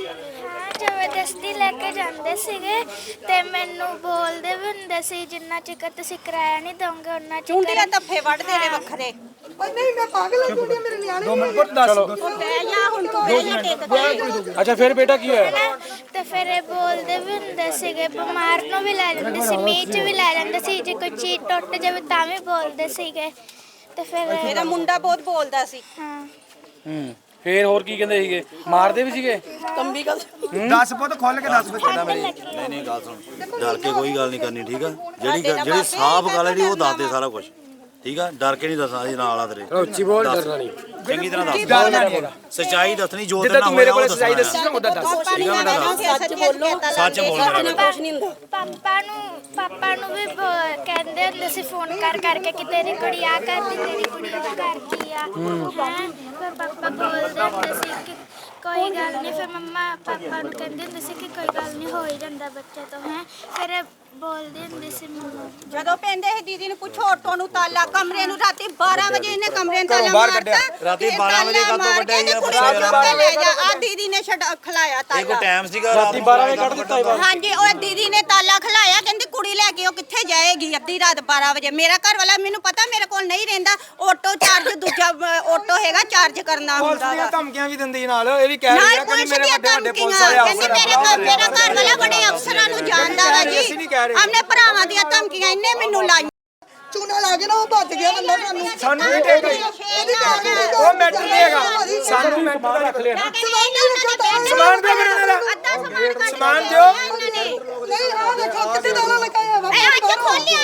Speaker 4: ਜ਼ਬਰਦਸਤੀ ਲੈ ਕੇ ਜਾਂਦੇ ਸੀਗੇ ਤੇ ਮੈਨੂੰ ਬੋਲਦੇ ਵੀ ਹੁੰਦੇ ਸੀ ਜਿੰਨਾ ਚਿਕਰ ਤੁਸੀਂ ਕਿਰਾਇਆ ਨਹੀਂ ਦੋਗੇ ਉਹਨਾਂ
Speaker 5: ਚੁੰਡੀਆਂ
Speaker 4: ਚਿਕਰ
Speaker 5: ਧੱਫੇ ਵੱਢਦੇ ਨੇ ਵੱਖਰੇ
Speaker 2: ਓਏ ਨਹੀਂ ਮੈਂ ਪਾਗਲ ਹਾਂ ਕੁੜੀਆਂ ਮੇਰੇ ਨਿਆਣੇ
Speaker 3: ਚਲੋ
Speaker 5: ਉਹ ਬਹਿ ਜਾ ਹੁਣ ਤੂੰ ਬਹਿ ਜਾ ਟਿਕ ਕੇ
Speaker 3: ਅੱਛਾ ਫਿਰ ਬੇਟਾ ਕੀ ਹੋਇਆ
Speaker 4: ਤੇ ਫਿਰ ਇਹ ਬੋਲਦੇ ਵੀ ਹੁੰਦੇ ਸੀਗੇ ਬਿਮਾਰ ਨੂੰ ਵੀ ਲੈ ਜਾਂਦੇ ਸੀ ਮੀਂਹ 'ਚ ਵੀ ਲੈ ਜਾਂਦੇ ਸੀ ਜੇ ਕੋਈ ਚੀਜ਼ ਟੁੱਟ ਜਾਵੇ ਤਾਂ ਵੀ ਬੋਲਦੇ ਸੀਗੇ ਤੇ ਫਿਰ
Speaker 5: ਮੇਰਾ ਮੁੰਡਾ ਬਹੁਤ ਬੋਲਦਾ ਸੀ
Speaker 4: ਹਾਂ
Speaker 3: ਫਿਰ ਹੋਰ ਕੀ ਕਹਿੰਦੇ ਸੀਗੇ ਮਾਰਦੇ ਵੀ ਸੀਗੇ
Speaker 7: ਕੰਬੀ ਕਦ
Speaker 6: 10 ਪੁੱਤ ਖੋਲ ਕੇ 10 ਬੱਚੇ ਦਾ ਮੇਰੀ ਨਹੀਂ ਗੱਲ ਸੁਣ ਡਰ ਕੇ ਕੋਈ ਗੱਲ ਨਹੀਂ ਕਰਨੀ ਠੀਕ ਆ ਜਿਹੜੀ ਸਾਫ਼ ਗੱਲ ਹੈ ਉਹ ਦੱਸ ਦੇ ਸਾਰਾ ਕੁਝ ਠੀਕ ਆ ਡਰ ਕੇ ਨਹੀਂ ਦੱਸਣਾ ਜੀ ਨਾਲ ਆ ਤੇਰੇ
Speaker 3: ਉੱਚੀ ਬੋਲ ਡਰਨਾ ਨਹੀਂ
Speaker 6: ਚੰਗੀ ਤਰ੍ਹਾਂ ਦੱਸ ਸੱਚਾਈ ਦੱਸਣੀ ਜੋ ਤੇਰੇ ਨਾਲ ਹੋਇਆ ਉਹ ਦੱਸਣਾ
Speaker 3: ਉਹਦਾ ਦੱਸ
Speaker 6: ਠੀਕ ਆ ਬੇਟਾ ਦੱਸ
Speaker 7: ਸੱਚ ਬੋਲੋ
Speaker 6: ਸੱਚ ਬੋਲਣਾ ਬੇਟਾ
Speaker 7: ਕੁਛ ਨਹੀਂ ਹੁੰਦਾ
Speaker 4: ਪਾਪਾ ਨੂੰ ਵੀ ਕਹਿੰਦੇ ਹੁੰਦੇ ਸੀ ਫੋਨ ਕਰਕੇ ਕਿ ਤੇਰੀ ਕੁੜੀ ਆ ਕਰਦੀ ਤੇਰੀ ਕੁੜੀ ਉਹ ਕਰਦੀ ਆ ਹੈਂ ਫਿਰ ਪਾਪਾ ਬੋਲਦੇ ਹੁੰਦੇ ਸੀ ਕਿ ਕੋਈ ਗੱਲ ਨਹੀਂ ਫਿਰ ਮੰਮਾ ਪਾਪਾ ਨੂੰ ਕਹਿੰਦੇ ਹੁੰਦੇ ਸੀ ਕਿ ਕੋਈ ਗੱਲ ਨਹੀਂ ਹੋ ਹੀ ਜਾਂਦਾ ਬੱਚੇ ਤੋਂ ਹੈ ਫਿਰ ਬੋਲਦੇ ਹੁੰਦੇ ਸੀ ਮੰਮਾ।
Speaker 5: ਜਦੋਂ ਪੈਂਦੇ ਸੀ ਦੀਦੀ ਨੂੰ ਪੁੱਛੋ ਆਟੋ ਨੂੰ ਤਾਲਾ ਕਮਰੇ ਨੂੰ ਰਾਤੀ 12 ਵਜੇ ਇਹਨੇ ਕਮਰੇ ਨੂੰ ਤਾਲਾ
Speaker 3: ਬਾਹਰ
Speaker 5: ਮਾਰਤਾ
Speaker 3: ਕੱਢਿਆ।
Speaker 6: ਰਾਤੀ 12 ਵਜੇ ਕਾਹਤੋਂ ਕੱਢਿਆ ਜੀ?
Speaker 5: ਕੁੜੀ ਨੂੰ ਚੁੱਕ ਕੇ ਲੈ ਜਾ ਆ ਦੀਦੀ ਨੇ ਖਲਾਇਆ
Speaker 6: ਇਹ ਕੋਈ
Speaker 5: ਤਾਲਾ।
Speaker 6: ਟਾਈਮ ਸੀਗਾ
Speaker 3: ਰਾਤੀ 12 ਵਜੇ ਕੱਢ ਦਿੱਤਾ ਬਾਹਰ।
Speaker 5: ਹਾਂਜੀ ਉਹ ਦੀਦੀ ਨੇ ਤਾਲਾ ਖਲਾਇਆ ਕਹਿੰਦੀ ਕੁੜੀ ਲੈ ਕੇ ਉਹ ਕਿੱਥੇ ਜਾਏਗੀ ਅੱਧੀ ਰਾਤ 12 ਵਜੇ। ਮੇਰਾ ਘਰ ਵਾਲਾ ਮੈਨੂੰ ਪਤਾ ਮੇਰੇ ਕੋਲ ਨਹੀਂ ਰਹਿੰਦਾ, ਆਟੋ ਚਾਰਜ ਦੂਜਾ ਆਟੋ ਹੈਗਾ ਚਾਰਜ ਕਰਨਾ
Speaker 3: ਪੁਲਿਸ
Speaker 5: ਹੁੰਦਾ
Speaker 3: ਦੀਆਂ
Speaker 5: ਵਾ।
Speaker 3: ਧਮਕੀਆਂ ਵੀ ਦਿੰਦੀ ਨਾਲ, ਇਹ ਵੀ ਕਹਿ ਰਹੀ
Speaker 5: ਨਾਲ
Speaker 3: ਹੈ ਕਿ
Speaker 5: ਪੁਲਿਸ
Speaker 3: ਮੇਰੇ
Speaker 5: ਦੀਆਂ
Speaker 3: ਵੱਡੇ ਵੱਡੇ ਪੁਲਿਸ
Speaker 5: ਧਮਕੀਆਂ
Speaker 3: ਵਾਲੇ
Speaker 5: ਕਹਿੰਦੀ
Speaker 3: ਅਫਸਰ
Speaker 5: ਮੇਰਾ ਘਰ ਵਾਲਾ ਬੜੇ ਅਫਸਰਾਂ ਨੂੰ ਜਾਣਦਾ ਵਾ ਜੀ।
Speaker 3: ਅਸੀਂ ਨਹੀਂ ਕਹਿ ਰਹੇ।
Speaker 5: ਆਪਣੇ ਭਰਾਵਾਂ ਦੀਆਂ ਧਮਕੀਆਂ ਇਹਨੇ ਮੈਨੂੰ ਲਾਈਆਂ।
Speaker 2: ਚੂਨਾ ਲਾ ਕੇ ਨਾ ਉਹ ਭੱਜ ਗਿਆ ਬੰਦਾ
Speaker 3: ਸਾਨੂੰ ਵੀ ਟੇਕ ਗਈ। ਉਹ ਮੈਟਰ ਨਹੀਂ ਹੈਗਾ, ਸਾਨੂੰ ਮੈਟਰ ਦਾ ਰੱਖ ਲਿਆ ਨਾ। ਸਮਾਨ ਦਿਓ ਫਿਰ ਇਹਨਾਂ ਦਾ। ਸਮਾਨ ਦਿਓ।
Speaker 2: ਨਹੀਂ ਆ ਦੇਖੋ ਕਿੱਥੇ ਤਾਲਾ ਲਗਾਇਆ ਵਾ
Speaker 5: ਅੱਜ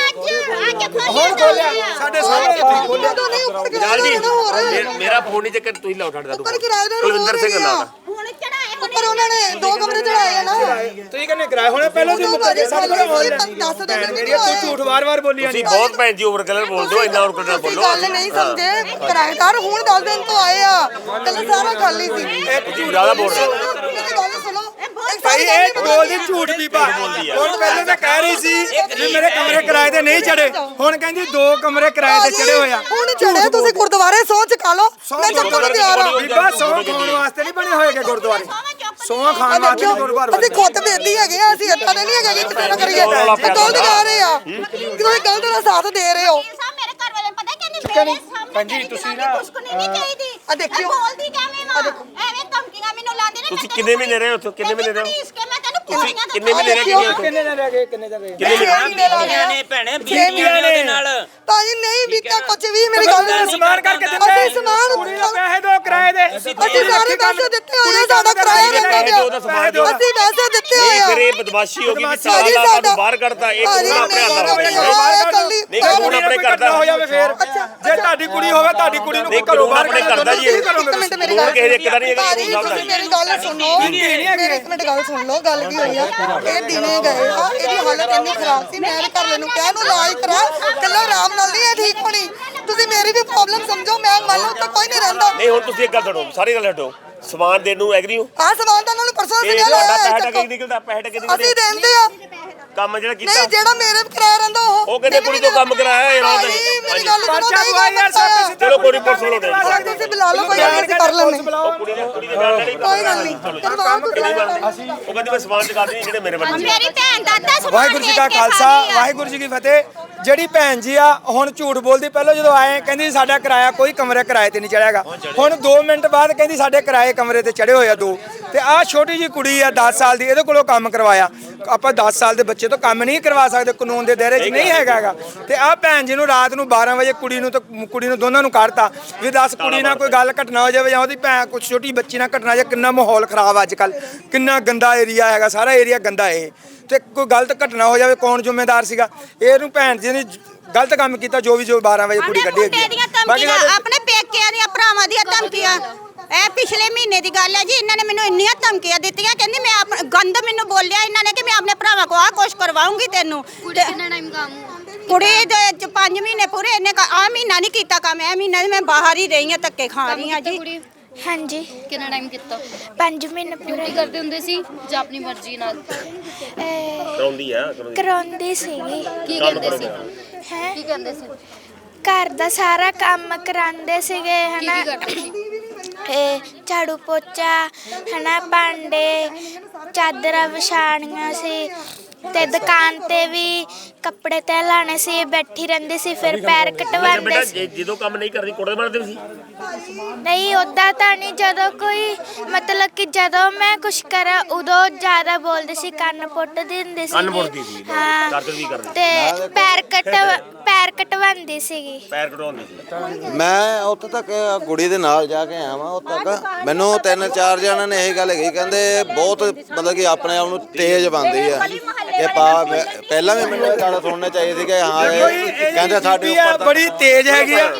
Speaker 3: ਹੁਣ ਖੋਲਿਆ ਸਾਡੇ ਸਾਹਮਣੇ ਤੁਸੀਂ ਖੋਲਿਆ।
Speaker 2: ਤਾਂ ਨਹੀਂ ਉੱਪਰ
Speaker 1: ਜਲਾਲ ਜੀ
Speaker 2: ਕਿਰਾਏਦਾਰ ਹੋ ਰਹੇ
Speaker 1: ਮੇਰਾ ਫੋਨ ਨਹੀਂ ਚੱਕਰ, ਤੁਸੀਂ ਲਾਓ ਛੱਡ
Speaker 2: ਉੱਪਰ ਕਿਰਾਏਦਾਰ
Speaker 1: ਕੁਲਵਿੰਦਰ ਸਿੰਘ ਲਾਉਣਾ।
Speaker 5: ਹੁਣ ਚੜਾਏ
Speaker 2: ਉੱਪਰ ਉਹਨਾਂ ਨੇ 2 ਕਮਰੇ ਚੜਾਏ ਆ ਨਾ
Speaker 3: ਤੁਸੀਂ ਕਹਿੰਦੇ ਕਿਰਾਏ ਹੋਣੇ ਪਹਿਲਾਂ ਤੁਸੀਂ ਮੁੱਕਰ ਸਾਡੇ ਕੋਲ
Speaker 2: ਦੱਸ ਦਿਓ
Speaker 3: ਮੇਰੀ ਤੂੰ ਝੂਠ ਵਾਰ-ਵਾਰ ਬੋਲੀ ਜਾਂਦੀ।
Speaker 1: ਤੁਸੀਂ ਬਹੁਤ ਭੈਣ ਜੀ ਓਵਰ ਕਲਰ ਬੋਲਦੇ ਹੋ, ਇੰਨਾ ਓਵਰ ਕਲਰ
Speaker 2: ਅਸੀਂ
Speaker 1: ਬੋਲੋ।
Speaker 2: ਗੱਲ ਨਹੀਂ ਸਮਝੇ ਕਿਰਾਏਦਾਰ ਹੁਣ 10 ਦਿਨ ਤੋਂ ਆਏ ਆ ਕੱਲ ਸਾਰਾ ਖਾਲੀ ਸੀ
Speaker 1: ਤੁਸੀਂ ਜ਼ਿਆਦਾ ਬੋਲ ਰਹੇ ਹੋ।
Speaker 2: ਮੇਰੀ ਗੱਲ ਸੁਣੋ
Speaker 3: ਭਾਈ ਇਹ ਬੋਲਦੀ ਝੂਠ ਬੀਬਾ। ਹੁਣ ਪਹਿਲਾਂ ਤਾਂ ਕਹਿ ਰਹੀ ਸੀ ਵੀ ਮੇਰੇ ਕਮਰੇ ਕਿਰਾਏ ਤੇ ਨਹੀਂ ਚੜੇ, ਹੁਣ ਕਹਿੰਦੀ 2 ਕਮਰੇ ਕਿਰਾਏ ਤੇ ਚੜੇ ਹੋਏ ਆ।
Speaker 2: ਹੁਣ ਚੜੇ ਤੁਸੀਂ ਗੁਰਦੁਆਰੇ ਸੌ ਚੁਕਾ ਲਓ ਮੈਂ ਚੱਕਣ ਨੂੰ ਤਿਆਰ ਆ
Speaker 3: ਬੀਬਾ ਸੌ ਖਾਣ ਵਾਸਤੇ ਨਹੀਂ ਬਣੇ ਹੋਏਗੇ ਗੁਰਦੁਆਰੇ, ਸੌ ਖਾਣ ਵਾਸਤੇ ਨਹੀਂ ਗੁਰਦੁਆਰੇ
Speaker 2: ਅਸੀਂ ਖੁਦ ਬੇਦੀ ਹੈਗੇ ਆ, ਅਸੀਂ ਏਦਾਂ ਦੇ ਨਹੀਂ ਹੈਗੇ ਕਿ ਕਿਸੇ ਨਾਲ ਕਰੀਏ ਗਲਤ ਕਰ ਰਹੇ ਆ ਤੁਸੀਂ ਗਲਤ ਦਾ ਸਾਥ ਦੇ ਰਹੇ ਹੋ।
Speaker 5: ਮੇਰੇ ਘਰ ਵਾਲੇ ਪਤਾ ਕਹਿੰਦੇ ਮੇਰੇ ਸਾਹਮਣੇ
Speaker 3: ਭੈਣ ਜੀ, ਤੁਸੀਂ ਨਾ-
Speaker 5: ਕੁਛ ਨਹੀਂ ਚਾਹੀਦੀ।
Speaker 2: ਆ ਦੇਖਿਓ।
Speaker 5: ਬੋਲਦੀ ਕਿਵੇਂ ਵਾ ਐਵੇਂ ਧਮਕੀਆਂ ਮੈਨੂੰ ਲਾਉਂਦੇ ਨੇ।
Speaker 1: ਤੁਸੀਂ ਕਿੰਨੇ ਮਹੀਨੇ ਰਹੇ ਹੋ ਉੱਥੇ? ਕਿੰਨੇ ਮਹੀਨੇ ਰਹੇ ਹੋ?
Speaker 5: ਮੈਂ ਤੈਨੂੰ
Speaker 1: ਤੁਸੀਂ
Speaker 5: ਕੁੜੀਆਂ
Speaker 1: ਕਿੰਨੇ ਮਹੀਨੇ ਰਹੇ ਕਿੰਨੇ ਉੱਥੇ?
Speaker 3: ਕਿੰਨੇ ਦਿਨ ਰਹਿ ਗਏ, ਕਿੰਨੇ ਦਿਨ ਰਹਿ ਗਏ?
Speaker 1: ਕਿੰਨੇ ਮਹੀਨੇ?
Speaker 8: ਨੇ ਭੈਣੇ ਬੀਬੀਆਂ ਨੇ ਉਹਦੇ ਨਾਲ
Speaker 2: ਭਾਜੀ ਨਹੀਂ ਬੀਤਾ ਕੁਝ ਵੀ ਮੇਰੀ ਗੱਲ
Speaker 3: ਸਮਾਨ ਕਰਕੇ ਦਿੰਦੇ।
Speaker 2: ਅਸੀਂ ਸਮਾਨ
Speaker 3: ਕੁੜੀ ਨੂੰ ਪੈਸੇ ਦਿਓ ਕਿਰਾਏ ਦੇ।
Speaker 2: ਅਸੀਂ ਸਾਰੇ ਪੈਸੇ ਦਿੱਤੇ ਹੋਏ ਆ, ਸਾਡਾ ਕਿਰਾਇਆ ਰਹਿੰਦਾ ਪਿਆ
Speaker 1: ਉਹਦਾ ਸਮਾਨ ਦਿਓ।
Speaker 2: ਅਸੀਂ ਪੈਸੇ ਦਿੱਤੇ ਹੋਏ
Speaker 1: ਨਹੀਂ
Speaker 2: ਆ
Speaker 1: ਫਿਰ ਇਹ ਬਦਮਾਸ਼ੀ ਹੋ ਗਈ ਵੀ ਸਾਲਾ
Speaker 2: ਭਾਜੀ,
Speaker 1: ਤੁਹਾਨੂੰ ਬਾਹਰ ਕੱਢਤਾ। ਇੱਕ
Speaker 2: ਭਾਜੀ,
Speaker 1: ਹੁਣ ਆਪਣੇ ਹੱਥ
Speaker 2: ਨਹੀਂ,
Speaker 1: ਨਾਲ ਨਹੀਂ ਹੁਣ ਆਪਣੇ ਘਰ ਦਾ
Speaker 3: ਹੋ ਜਾਵੇ ਫੇਰ ਜੇ ਤੁਹਾਡੀ ਕੁੜੀ ਹੋਵੇ ਤੁਹਾਡੀ ਕੁੜੀ ਨੂੰ
Speaker 1: ਨਹੀਂ
Speaker 3: ਘਰੋਂ
Speaker 1: ਕਾਨੂੰਨ
Speaker 3: ਬਾਹਰ
Speaker 1: ਆਪਣੇ ਘਰ ਦਾ ਜੀ ਇਹ।
Speaker 2: ਇੱਕ ਮਿੰਟ ਮੇਰੀ
Speaker 1: ਕਾਨੂੰਨ
Speaker 2: ਗੱਲ
Speaker 1: ਕਿਸੇ ਦੇ ਇੱਕ ਦਾ ਨਹੀਂ ਹੈਗਾ,
Speaker 2: ਭਾਜੀ,
Speaker 1: ਕਾਨੂੰਨ ਸਭ ਦਾ
Speaker 2: ਤੁਸੀਂ ਮੇਰੀ ਗੱਲ ਸੁਣੋ ਮੇਰੀ ਇੱਕ ਮਿੰਟ ਗੱਲ ਸੁਣ ਲਓ ਗੱਲ ਕੀ ਹੋਈ ਆ ਇਹ ਦਿਨੇ ਗਏ ਆ ਇਹਦੀ ਹਾਲਤ ਇੰਨੀ ਖਰਾਬ ਸੀ ਮੈਂ ਇਹਦੇ ਘਰ ਨੂੰ ਕਿਹਾ ਇਹਨੂੰ ਇਲਾਜ ਕਰਾ ਕੱਲਾ ਆਰਾਮ ਨਾਲ ਨਹੀਂ ਇਹ ਠੀਕ ਹੋਣੀ ਤੁਸੀਂ ਮੇਰੀ ਵੀ ਪ੍ਰੋਬਲਮ ਸਮਝੋ ਮੈਂ ਮੰਨ ਲਓ ਉੱਤੇ ਕੋਈ ਨਹੀਂ ਰਹਿੰਦਾ
Speaker 1: ਨਹੀਂ ਹੁਣ ਤੁਸੀਂ ਇੱਕ ਗੱਲ ਛੱਡੋ, ਸਾਰੀ ਗੱਲ ਛੱਡੋ। ਸਮਾਨ ਦੇਣ ਨੂੰ ਐਗਰੀ ਹੋ?
Speaker 2: ਆਹ ਸਮਾਨ ਤਾਂ ਉਹਨਾਂ ਨੂੰ ਪਰਸੋਂ
Speaker 1: ਇਹ
Speaker 2: ਅਸੀਂ
Speaker 1: ਤੁਹਾਡਾ ਪੈਸਾ
Speaker 2: ਲਿਆ
Speaker 1: ਟਕੇ ਨਿਕਲਦਾ, ਪੈਸਾ ਟਕੇ
Speaker 2: ਅਸੀਂ
Speaker 1: ਨਿਕਲਦੇ
Speaker 2: ਦਿੰਦੇ ਆ
Speaker 1: ਕੰਮ ਜਿਹੜਾ ਕੀਤਾ
Speaker 2: ਨਹੀਂ ਜਿਹੜਾ ਮੇਰੇ ਕਿਰਾਇਆ ਰਹਿੰਦਾ
Speaker 1: ਉਹ ਕਹਿੰਦੇ ਕੁੜੀ ਤੋਂ ਕੰਮ ਕਰਾਇਆ ਇਹ ਰਾਤ
Speaker 2: ਭਾਜੀ, ਮੇਰੀ ਗੱਲ ਸੁਣੋ
Speaker 3: ਪਰਚਾ
Speaker 2: ਨਹੀਂ
Speaker 3: ਪਵਾਈ ਯਾਰ
Speaker 2: ਕਰਨਾ
Speaker 3: ਸਭ
Speaker 1: ਚਲੋ ਕੋਈ ਰਿਪੋਰਟ ਸੁਣੋ ਦੇ
Speaker 2: ਤੁਸੀਂ ਬੁਲਾ ਲਓ ਕੋਈ ਗੱਲ ਨਹੀਂ, ਅਸੀਂ ਕਰ ਲੈਂਦੇ
Speaker 1: ਕੁੜੀ ਦੇ ਬਿਆਨ ਲੈ
Speaker 2: ਕੋਈ ਗੱਲ ਨਹੀਂ ਕਰਵਾਓ ਤੁਸੀਂ
Speaker 1: ਉਹ ਕਹਿੰਦੀ ਮੈਂ ਸਮਾਨ ਚੁਕਾ ਦੇਣੀ ਜਿਹੜੇ ਮੇਰੇ ਬੰਦੇ
Speaker 5: ਮੇਰੀ ਭੈਣ ਦਾ ਅੱਧਾ ਸਮਾਨ
Speaker 3: ਵਾਹਿਗੁਰੂ ਜੀ ਕਾ ਖਾਲਸਾ ਵਾਹਿਗੁਰੂ ਜੀ ਕੀ ਫਤਿਹ। ਜਿਹੜੀ ਭੈਣ ਜੀ ਆ ਹੁਣ ਝੂਠ ਬੋਲਦੀ, ਪਹਿਲਾਂ ਜਦੋਂ ਆਏ ਕਹਿੰਦੀ ਸਾਡਾ ਕਿਰਾਇਆ ਕੋਈ ਕਮਰੇ ਕਿਰਾਏ ਤੇ ਨਹੀਂ ਚੜਿਆਗਾ, ਹੁਣ 2 ਮਿੰਟ ਬਾਅਦ ਕਹਿੰਦੀ ਸਾਡੇ ਕਿਰਾਏ ਕਮਰੇ ਤੇ ਚੜੇ ਹੋਏ ਆ 2। ਤੇ ਆਹ ਛੋਟੀ ਜੀ ਕੁੜੀ ਆ 10 ਸਾਲ ਦੀ, ਇਹਦੇ ਕੋਲੋਂ ਕੰਮ ਕਰਵਾਇਆ। ਆਪਾਂ 10 ਸਾਲ ਦੇ ਬੱਚੇ ਤੋਂ ਕੰਮ ਨਹੀਂ ਕਰਵਾ ਸਕਦੇ, ਕਾਨੂੰਨ ਦੇ ਦਾਇਰੇ 'ਚ ਨਹੀਂ ਹੈਗਾਗਾ। ਤੇ ਆਹ ਭੈਣ ਜੀ ਨੂੰ ਰਾਤ ਨੂੰ 12 ਵਜੇ ਕੁੜੀ ਨੂੰ ਦੋਨਾਂ ਨੂੰ ਕੱਢਤਾ ਵੀ ਦੱਸ ਕੁੜੀ ਨਾਲ ਕੋਈ ਗੱਲ ਘਟਨਾ ਹੋ ਜਾਵੇ ਜਾਂ ਉਹਦੀ ਭੈਣ ਕੁਝ ਛੋਟੀ ਬੱਚੀ ਨਾਲ ਘਟਨਾ ਜਾਂ ਕਿੰਨਾ ਮਾਹੌਲ ਖਰਾਬ ਅੱਜ ਕੱਲ, ਕਿੰਨਾ ਗੰਦਾ ਏਰੀਆ ਹੈਗਾ, ਸਾਰਾ ਏਰੀਆ ਗੰਦਾ ਇਹ। ਤੇ ਕੋਈ ਗਲਤ ਘਟਨਾ ਹੋ ਜਾਵੇ ਕੌਣ ਜ਼ਿੰਮੇਦਾਰ ਸੀਗਾ? ਇਹਨੂੰ ਭੈਣ ਜੀ ਨੇ ਗਲਤ ਕੰਮ ਕੀਤਾ ਜੋ 12 ਵਜੇ ਕੁੜੀ ਕੱਢੀ ਹੈਗੀ।
Speaker 5: ਆਪਣੇ ਪੇਕਿਆਂ ਦੀਆਂ ਭਰਾਵਾਂ ਦੀਆਂ ਧਮਕੀਆਂ ਇਹ ਪਿਛਲੇ ਮਹੀਨੇ ਦੀ ਗੱਲ ਹੈ ਜੀ। ਇਹਨਾਂ ਨੇ ਮੈਨੂੰ ਇੰਨੀਆਂ ਧਮਕੀਆਂ ਦਿੱਤੀਆਂ, ਕਹਿੰਦੀ ਮੈਂ ਗੰਦ ਮੈਨੂੰ ਬੋਲਿਆ ਇਹਨਾਂ ਨੇ ਕਿ ਮੈਂ ਆਪਣੇ ਭਰਾਵਾਂ ਕੋ ਆਹ ਕੁਛ ਕਰਵਾਉਂਗੀ ਤੈਨੂੰ।
Speaker 4: ਕਿੰਨਾ ਟਾਈਮ ਕੰਮ
Speaker 5: ਕੁੜੀ ਦੇ 5 ਮਹੀਨੇ ਪੂਰੇ ਇਹਨੇ ਆ ਮਹੀਨਾ ਨਹੀਂ ਕੀਤਾ ਕੰਮ, ਇਹ ਮਹੀਨਾ ਮੈਂ ਬਾਹਰ ਹੀ ਰਹੀ ਹਾਂ, ਧੱਕੇ ਖਾ ਰਹੀ ਹਾਂ ਜੀ।
Speaker 4: ਹਾਂਜੀ
Speaker 9: ਕਿੰਨਾ ਟਾਈਮ ਕੀਤਾ?
Speaker 4: 5 ਮਹੀਨੇ ਪੂਰੇ
Speaker 9: ਡਿਊਟੀ ਕਰਦੇ ਹੁੰਦੇ ਸੀ ਜਾਂ ਆਪਣੀ ਮਰਜ਼ੀ ਨਾਲ
Speaker 1: ਕਰਾਉਂਦੀ ਆ
Speaker 4: ਕਰਾਉਂਦੀ ਸੀਗੀ
Speaker 9: ਕੀ ਕਹਿੰਦੇ ਸੀ?
Speaker 4: ਹੈ
Speaker 9: ਕੀ ਕਹਿੰਦੇ ਸੀ?
Speaker 4: ਘਰ ਦਾ ਸਾਰਾ ਕੰਮ ਕਰਾਉਂਦੇ ਸੀਗੇ
Speaker 9: ਕੀ
Speaker 4: ਹਨਾ
Speaker 9: ਕੀ ਕਰਦੇ ਸੀ?
Speaker 4: ਇਹ ਝਾੜੂ ਪੋਚਾ ਹਨਾ ਭਾਂਡੇ ਚਾਦਰਾਂ ਵਿਛਾਣੀਆਂ ਸੀ ਤੇ ਦੁਕਾਨ ਤੇ ਵੀ ਕੱਪੜੇ ਤੇ ਲਾਣੇ ਸੀ ਬੈਠੀ ਰਹਿੰਦੀ ਸੀ ਫਿਰ ਪੈਰ ਕਟਵਾਉਂਦੇ
Speaker 1: ਬੇਟਾ
Speaker 4: ਸੀ
Speaker 1: ਜਦੋਂ ਕੰਮ ਨਹੀਂ ਕਰਦੀ ਕੁੱਟਦੇ ਮਾਰਦੇ ਸੀ?
Speaker 4: ਨਹੀਂ ਉਦਾਂ ਤਾਂ ਨਹੀਂ ਜਦੋਂ ਕੋਈ ਮਤਲਬ ਕਿ ਜਦੋਂ ਮੈਂ ਕੁਛ ਕਰਾਂ ਉਦੋਂ ਜ਼ਿਆਦਾ ਬੋਲਦੇ ਸੀ ਕੰਨ ਪੁੱਟ ਦਿੰਦੇ ਸੀ
Speaker 1: ਕੰਨ ਪੁੱਟਦੀ ਸੀ,
Speaker 4: ਹਾਂ
Speaker 1: ਦਰਦ ਵੀ ਕਰਦੀ।
Speaker 4: ਤੇ ਪੈਰ ਕਟਵਾਉਂਦੀ ਸੀਗੀ
Speaker 1: ਪੈਰ ਕਟਵਾਉਂਦੀ ਸੀ।
Speaker 6: ਮੈਂ ਉੱਥੇ ਤੱਕ ਕੁੜੀ ਦੇ ਨਾਲ ਜਾ ਕੇ ਆਇਆ ਵਾਂ। ਉੱਥੇ ਤੱਕ ਮੈਨੂੰ 3-4 ਜਣਾਂ ਨੇ ਇਹ ਗੱਲ ਕਹੀ, ਕਹਿੰਦੇ ਬਹੁਤ ਮਤਲਬ ਕਿ ਆਪਣੇ ਆਪ ਨੂੰ ਤੇਜ਼ ਬਣਦੀ ਆ ਇਹ ਪਹਿਲਾਂ ਵੀ ਮੈਨੂੰ ਇਹ ਗੱਲ ਸੁਣਨੀ ਚਾਹੀਦੀ ਕਿ ਹਾਂ ਇਹ ਕਹਿੰਦੇ ਸਾਡੇ ਉੱਪਰ
Speaker 3: ਬੜੀ ਤੇਜ਼ ਹੈਗੀ ਆ।
Speaker 9: ਕਿੰਨੀ ਆ ਕੁੜੀ?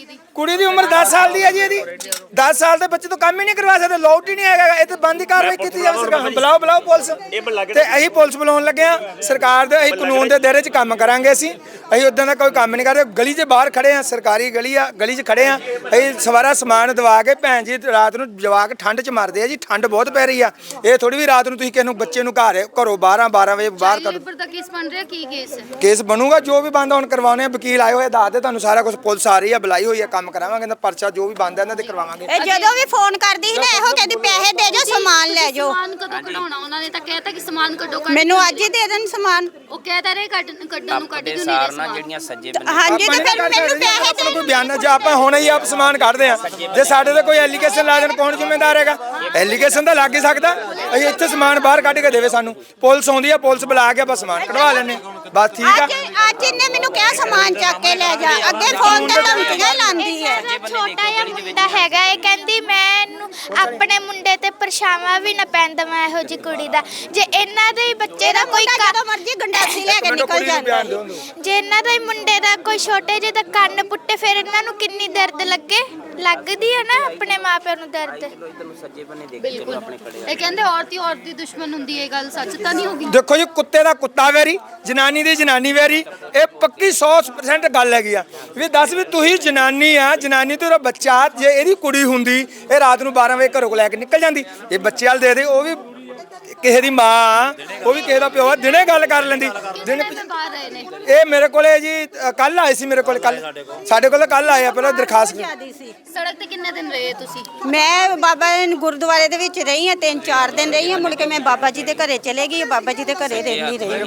Speaker 3: ਕੁੜੀ ਦੀ ਉਮਰ 10 ਸਾਲ ਦੀ ਹੈ ਜੀ ਇਹਦੀ 10 ਸਾਲ ਦੇ ਬੱਚੇ ਤੋਂ ਕੰਮ ਹੀ ਨਹੀਂ ਕਰਵਾ ਸਕਦੇ ਲੋਟ ਹੀ ਨਹੀਂ ਹੈਗਾ ਇਹ ਤੇ ਬੰਦੀ ਕਾਰਵਾਈ ਕੀਤੀ ਜਾਵੇ ਸਰਕਾਰ ਬੁਲਾਓ ਪੁਲਿਸ ਤੇ ਅਸੀਂ ਪੁਲਿਸ ਬੁਲਾਉਣ ਲੱਗੇ ਆ ਸਰਕਾਰ ਦੇ ਅਸੀਂ ਕਾਨੂੰਨ ਦੇ ਦਾਇਰੇ 'ਚ ਕੰਮ ਕਰਾਂਗੇ ਅਸੀਂ ਉਦਾਂ ਦਾ ਕੋਈ ਕੰਮ ਨਹੀਂ ਕਰਦੇ ਗਲੀ 'ਚ ਬਾਹਰ ਖੜੇ ਆ ਸਰਕਾਰੀ ਗਲੀ ਆ ਗਲੀ 'ਚ ਖੜੇ ਆ ਅਸੀਂ ਸਵਾਰਾ ਸਮਾਨ ਦਵਾ ਕੇ ਭੈਣ ਜੀ ਰਾਤ ਨੂੰ ਜਵਾਕ ਠੰਡ 'ਚ ਮਰਦੇ ਆ ਜੀ ਠੰਡ ਬਹੁਤ ਪੈ ਰਹੀ ਆ ਇਹ ਥੋੜੀ ਵੀ ਰਾਤ ਨੂੰ ਤੁਸੀਂ ਕਿਸੇ ਨੂੰ ਬੱਚੇ ਨੂੰ ਘਰੋਂ 12 ਵਜੇ ਬਾਹਰ ਕੱਢੋ
Speaker 9: ਦਾ ਕੇਸ ਬਣ ਰਿਹਾ ਕੀ ਕੇਸ
Speaker 3: ਕੇਸ ਬਣੂਗਾ ਜੋ ਵੀ ਬੰਦਾ ਹੁਣ ਕਰਵਾਉਣੇ ਵਕੀਲ ਆਏ ਹੋਏ ਦੱਸਦੇ ਤੁਹਾਨੂੰ ਸਾਰਾ ਕੁਝ ਪੁਲਿਸ ਆ ਰਹੀ ਆ ਬੁਲਾਈ ਹੋਈ ਆ ਕੰਮ ਕਰਾਵਾਂਗੇ ਤਾਂ ਪਰਚਾ ਜੋ ਵੀ ਬੰਦਾ ਇਹਨਾਂ ਦੇ ਕਰਵਾਵਾਂਗੇ
Speaker 5: ਇਹ ਜਦੋਂ ਵੀ ਫੋਨ ਕਰਦੀ ਸੀ ਨਾ ਇਹੋ ਕਹਿੰਦੀ ਪੈਸੇ ਦੇ ਜਾਓ ਸਮਾਨ ਲੈ ਜਾਓ
Speaker 9: ਸਮਾਨ ਕਦੋਂ ਕਢਾਉਣਾ ਉਹਨਾਂ ਨੇ ਤਾਂ ਕਹਿਤਾ ਕਿ ਸਮਾਨ ਕੱਢੋ
Speaker 5: ਮੈਨੂੰ ਅੱਜ ਹੀ ਦੇ ਦੇਣ ਸਮਾਨ
Speaker 9: ਉਹ ਕਹਿਤਾ ਰਹੇ ਕੱਢਣ ਨੂੰ ਕੱਢ ਕਿਉਂ ਨਹੀਂ
Speaker 8: ਸਾਰ
Speaker 9: ਰਹੇ
Speaker 8: ਨਾਲ
Speaker 9: ਸਮਾਨ
Speaker 8: ਜਿਹੜੀਆਂ ਸੱਜੇ
Speaker 5: ਹਾਂਜੀ ਤੇ ਫਿਰ ਮੈਨੂੰ ਪੈਸੇ
Speaker 3: ਆਪਣਾ ਕੋਈ ਬਿਆਨ ਜੇ ਆਪਾਂ ਹੁਣੇ ਹੀ ਆਪ ਸਮਾਨ ਕੱਢਦੇ ਆ ਜੇ ਸਾਡੇ ਤੇ ਕੋਈ ਐਲੀਗੇਸ਼ਨ ਲਾ ਦੇਣ ਕੌਣ ਜ਼ਿੰਮੇਦਾਰ ਹੈਗਾ ਐਲੀਗੇਸ਼ਨ ਤਾਂ ਲੱਗ ਹੀ ਸਕਦਾ ਅਸੀਂ ਇੱਥੇ ਸਮਾਨ ਬਾਹਰ ਕੱਢ ਕੇ ਦੇਵੇ ਸਾਨੂੰ ਪੁਲਿਸ ਆਉਂਦੀ ਆ ਪੁਲਿਸ ਬੁਲਾ ਕੇ ਆਪਾਂ ਸਮਾਨ ਕਢਵਾ ਲੈਣੇ ਬਸ ਠੀਕ ਆ
Speaker 5: ਅੱਜ ਇਹਨੇ ਮੈਨੂੰ ਕਿਹਾ ਸਮਾਨ ਚੱਕ ਕੇ ਲੈ ਜਾ ਅੱਗੇ ਫੋਨ ਤੇ ਧਮਕੀਆਂ ਲਾਉਂਦੀ ਹੈ
Speaker 4: ਛੋਟਾ ਜਿਹਾ ਮੁੰਡਾ ਹੈਗਾ ਇਹ ਕਹਿੰਦੀ ਮੈਂ ਇਹਨੂੰ ਆਪਣੇ ਮੁੰਡੇ ਤੇ ਪਰਛਾਵਾਂ ਵੀ ਨਾ ਪੈਣ ਦੇਵਾਂ ਇਹੋ ਜਿਹੀ ਕੁੜੀ ਦਾ ਜੇ ਇਹਨਾਂ ਦੇ ਹੀ ਬੱਚੇ ਦਾ ਕੋਈ
Speaker 5: ਜਦੋਂ ਮਰਜ਼ੀ ਗੰਡਾਸੀ ਲੈ ਕੇ ਨਿਕਲ ਜਾਂਦਾ
Speaker 4: ਜੇ ਇਹਨਾਂ ਦਾ ਹੀ ਮੁੰਡੇ ਦਾ ਕੋਈ ਛੋਟੇ ਜਿਹੇ ਦਾ ਕੰਨ ਪੁੱਟੇ ਫਿਰ ਇਹਨਾਂ ਨੂੰ ਕਿੰਨੀ ਦਰਦ ਲੱਗਦੀ ਹੈ ਨਾ ਆਪਣੇ ਮਾਪਿਆਂ ਨੂੰ ਦਰਦ
Speaker 9: ਬਿਲਕੁਲ ਇਹ ਕਹਿੰਦੇ ਔਰਤ ਹੀ ਔਰਤ ਦੀ ਦੁਸ਼ਮਣ ਹੁੰਦੀ ਹੈ ਇਹ ਗੱਲ ਸੱਚ ਤਾਂ ਨਹੀਂ ਹੋਗੀ
Speaker 3: ਦੇਖੋ ਜੀ ਕੁੱਤੇ ਦਾ ਕੁੱਤਾ ਵੈਰੀ ਜਨਾਨੀ ਦੀ ਜਨਾਨੀ ਵੈਰੀ ਇਹ ਪੱਕੀ 100% ਗੱਲ ਹੈਗੀ ਆ ਵੀ ਦੱਸ ਵੀ ਤੁਸੀਂ ਜਨਾਨੀ ਆ ਜਨਾਨੀ ਤੇ ਉਹਦਾ ਬੱਚਾ ਜੇ ਇਹਦੀ ਕੁੜੀ ਹੁੰਦੀ ਇਹ ਰਾਤ ਨੂੰ 12 ਵਜੇ ਘਰੋਂ ਲੈ ਕੇ ਨਿਕਲ ਜਾਂਦੀ ਇਹ ਬੱਚੇ ਵਾਲ ਦੇ ਉਹ ਵੀ ਕਿਸੇ ਦੀ ਮਾਂ ਉਹ ਵੀ ਕਿਸੇ ਦਾ ਪਿਓ ਦਿਨੇ ਗੱਲ ਕਰ ਲੈਂਦੀ ਦਿਨੇ
Speaker 9: ਬਾਹਰ ਰਹੇ ਨੇ
Speaker 3: ਇਹ ਮੇਰੇ ਕੋਲੇ ਜੀ ਕੱਲ ਆਏ ਸੀ ਮੇਰੇ ਕੋਲ ਕੱਲ ਸਾਡੇ ਕੋਲ ਕੱਲ ਆਏ ਆ ਪਹਿਲਾਂ ਦਰਖਾਸਤ
Speaker 9: ਸੜਕ ਤੇ ਕਿੰਨੇ ਦਿਨ ਰਹੇ ਤੁਸੀਂ
Speaker 5: ਮੈਂ ਬਾਬਾ ਗੁਰਦੁਆਰੇ ਦੇ ਵਿੱਚ ਰਹੀ ਹਾਂ 3-4 ਦਿਨ ਰਹੀ ਹਾਂ ਮੁੜ ਕੇ ਮੈਂ ਬਾਬਾ ਜੀ ਦੇ ਘਰੇ ਚਲੇ ਗਈ ਬਾਬਾ ਜੀ ਦੇ ਘਰੇ ਰਹਿੰਦੀ ਰਹੀ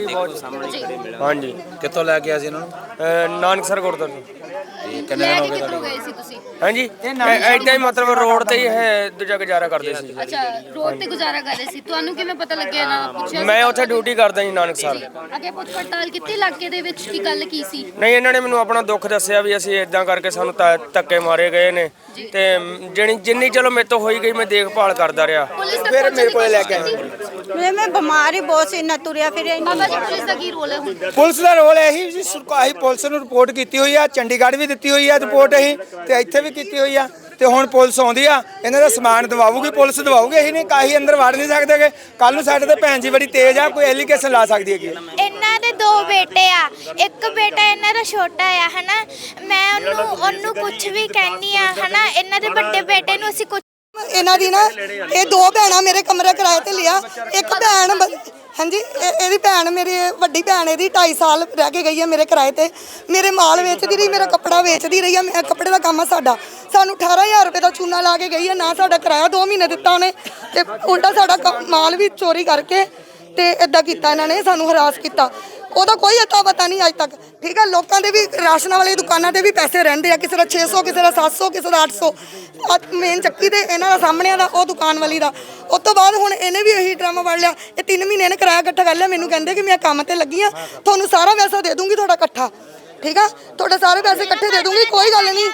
Speaker 5: ਹਾਂ
Speaker 3: ਹਾਂਜੀ
Speaker 10: ਕਿੱਥੋਂ ਲੈ ਕੇ ਆਏ ਸੀ ਇਹਨਾਂ ਨੂੰ
Speaker 3: ਨਾਨਕਸਰ ਗੁਰਦੁਆਰੇ
Speaker 10: ਕਿੰਨੇ
Speaker 9: ਲੈ
Speaker 10: ਦਿਨ
Speaker 9: ਕੇ
Speaker 10: ਹੋ ਗਏ
Speaker 9: ਕਿੱਥੋਂ ਗਏ ਸੀ ਤੁਸੀਂ
Speaker 3: ਹਾਂਜੀ ਏਦਾਂ ਹੀ ਮਤਲਬ ਰੋਡ ਤੇ ਹੀ ਹੈ ਦੂਜਾ ਗੁਜ਼ਾਰਾ ਕਰਦੇ ਸੀ
Speaker 9: ਅੱਛਾ ਰੋਡ ਤੇ ਗੁਜ਼ਾਰਾ ਕਰ ਰਹੇ ਸੀ ਤੁਹਾਨੂੰ ਕਿਵੇਂ ਪਤਾ ਲੱਗਿਆ ਇਹਨਾਂ ਦਾ ਪੁੱਛਿਆ
Speaker 3: ਮੈਂ ਉੱਥੇ ਡਿਊਟੀ ਕਰਦਾ ਜੀ ਨਾਨਕਸਰ
Speaker 9: ਅੱਗੇ ਪੁੱਛ ਪੜਤਾਲ ਕੀਤੀ ਇਲਾਕੇ ਦੇ ਵਿੱਚ ਕੀ ਗੱਲ ਕੀ ਸੀ
Speaker 3: ਨਹੀਂ ਇਹਨਾਂ ਨੇ ਮੈਨੂੰ ਆਪਣਾ ਦੁੱਖ ਦੱਸਿਆ ਵੀ ਅਸੀਂ ਇਦਾਂ ਕਰਕੇ ਸਾਨੂੰ ਧੱਕੇ ਮਾਰੇ ਗਏ ਨੇ ਤੇ ਜਿੰਨੀ ਚਲੋ ਮੇਰੇ ਤੋਂ ਹੋਈ ਗਈ ਮੈਂ ਦੇਖਭਾਲ ਕਰਦਾ ਰਿਹਾ ਫਿਰ ਮੇਰੇ ਕੋਲੇ ਲੈ ਕੇ ਆਏ
Speaker 5: ਮੈਂ ਬਿਮਾਰ ਹੀ ਬਹੁਤ ਸੀ ਨਾ ਤੁਰਿਆ ਫਿਰਿਆ ਹੀ
Speaker 9: ਬਾਬਾ
Speaker 5: ਨਹੀਂ
Speaker 9: ਜੀ ਪੁਲਿਸ ਦਾ ਕੀ ਰੋਲ ਹੈ ਹੁਣ
Speaker 3: ਪੁਲਿਸ ਦਾ ਰੋਲ ਇਹੀ ਜੀ ਅਸੀਂ ਪੁਲਿਸ ਨੂੰ ਰਿਪੋਰਟ ਕੀਤੀ ਹੋਈ ਆ ਚੰਡੀਗੜ੍ਹ ਵੀ ਦਿੱਤੀ ਹੋਈ ਆ ਰਿਪੋਰਟ ਅਸੀਂ ਤੇ ਇੱਥੇ ਵੀ ਕੀਤੀ ਹੋਈ ਆ ਤੇ ਹੁਣ ਪੁਲਿਸ ਆਉਂਦੀ ਆ ਇਹਨਾਂ ਦਾ ਸਮਾਨ ਦਵਾਉਗੀ ਪੁਲਿਸ ਦਵਾਉਗੀ ਅਸੀਂ ਨਹੀਂ ਕਾਹੀ ਅੰਦਰ ਵੜ ਨਹੀਂ ਸਕਦੇਗੇ ਕੱਲ ਨੂੰ ਸਾਡੇ ਤੇ ਭੈਣ ਜੀ ਬੜੀ ਤੇਜ਼ ਆ ਕੋਈ ਐਲੀਗੇਸ਼ਨ ਲਾ ਸਕਦੀ ਹੈਗੀ
Speaker 4: ਇਹਨਾਂ ਦੇ 2 ਬੇਟੇ ਆ ਇੱਕ ਬੇਟਾ ਇਹਨਾਂ ਦਾ ਛੋਟਾ ਆ ਹਨਾ ਮੈਂ ਉਹਨੂੰ ਕੁਝ ਵੀ ਕਹਿਨੀ ਆ ਹਨਾ ਇਹਨਾਂ ਦੇ ਵੱਡੇ ਬੇਟੇ ਨੂੰ ਅਸੀਂ ਕੁਝ
Speaker 2: ਇਹਨਾਂ ਦੀ ਨਾ ਇਹ 2 ਭੈਣਾਂ ਮੇਰੇ ਕਮਰੇ ਕਿਰਾਏ ਤੇ ਲਿਆ ਇੱਕ ਭੈਣ ਹਾਂਜੀ ਇਹਦੀ ਭੈਣ ਮੇਰੀ ਵੱਡੀ ਭੈਣ ਇਹਦੀ 2.5 ਸਾਲ ਰਹਿ ਕੇ ਗਈ ਹੈ ਮੇਰੇ ਕਿਰਾਏ ਤੇ ਮੇਰੇ ਮਾਲ ਵੇਚਦੀ ਰਹੀ ਮੇਰਾ ਕੱਪੜਾ ਵੇਚਦੀ ਰਹੀ ਹੈ ਕੱਪੜੇ ਦਾ ਕੰਮ ਆ ਸਾਡਾ ਸਾਨੂੰ 18000 ਰੁਪਏ ਦਾ ਚੂਨਾ ਲਾ ਕੇ ਗਈ ਹੈ ਨਾ ਸਾਡਾ ਕਿਰਾਇਆ 2 ਮਹੀਨੇ ਦਿੱਤਾ ਉਹਨੇ ਤੇ ਉਲਟਾ ਸਾਡਾ ਮਾਲ ਵੀ ਚੋਰੀ ਕਰਕੇ ਤੇ ਇਦਾਂ ਕੀਤਾ ਇਹਨਾਂ ਨੇ ਸਾਨੂੰ ਹਰਾਸ ਕੀਤਾ ਉਹਦਾ ਕੋਈ ਅਤਾ ਪਤਾ ਨਹੀਂ ਅੱਜ ਤੱਕ ਠੀਕ ਹੈ ਲੋਕਾਂ ਦੇ ਵੀ ਰਾਸ਼ਨ ਵਾਲੀ ਦੁਕਾਨਾਂ ਤੇ ਵੀ ਪੈਸੇ ਰਹਿੰਦੇ ਆ ਕਿਸੇ ਦਾ 600 ਕਿਸੇ ਦਾ 700 ਕਿਸੇ ਦਾ 800 ਮੇਨ ਚੱਕੀ ਤੇ ਇਹਨਾਂ ਦਾ ਸਾਹਮਣੇ ਦਾ ਉਹ ਦੁਕਾਨ ਵਾਲੀ ਦਾ ਉਸ ਤੋਂ ਬਾਅਦ ਹੁਣ ਇਹਨੇ ਵੀ ਇਹੀ ਡਰਾਮਾ ਵੜ ਲਿਆ ਇਹ 3 ਮਹੀਨੇ ਨੇ ਕਿਰਾਇਆ ਇਕੱਠਾ ਕਰ ਲਿਆ ਮੈਨੂੰ ਕਹਿੰਦੇ ਕਿ ਮੈਂ ਕੰਮ ਤੇ ਲੱਗੀ ਆ ਤੁਹਾਨੂੰ ਸਾਰਾ ਪੈਸਾ ਦੇ ਦੂੰਗੀ ਤੁਹਾਡਾ ਇਕੱਠਾ ਠੀਕ ਆ ਤੁਹਾਡੇ ਸਾਰੇ ਪੈਸੇ ਇਕੱਠੇ ਦੇ ਦੂੰਗੀ ਕੋਈ ਗੱਲ ਨਹੀਂ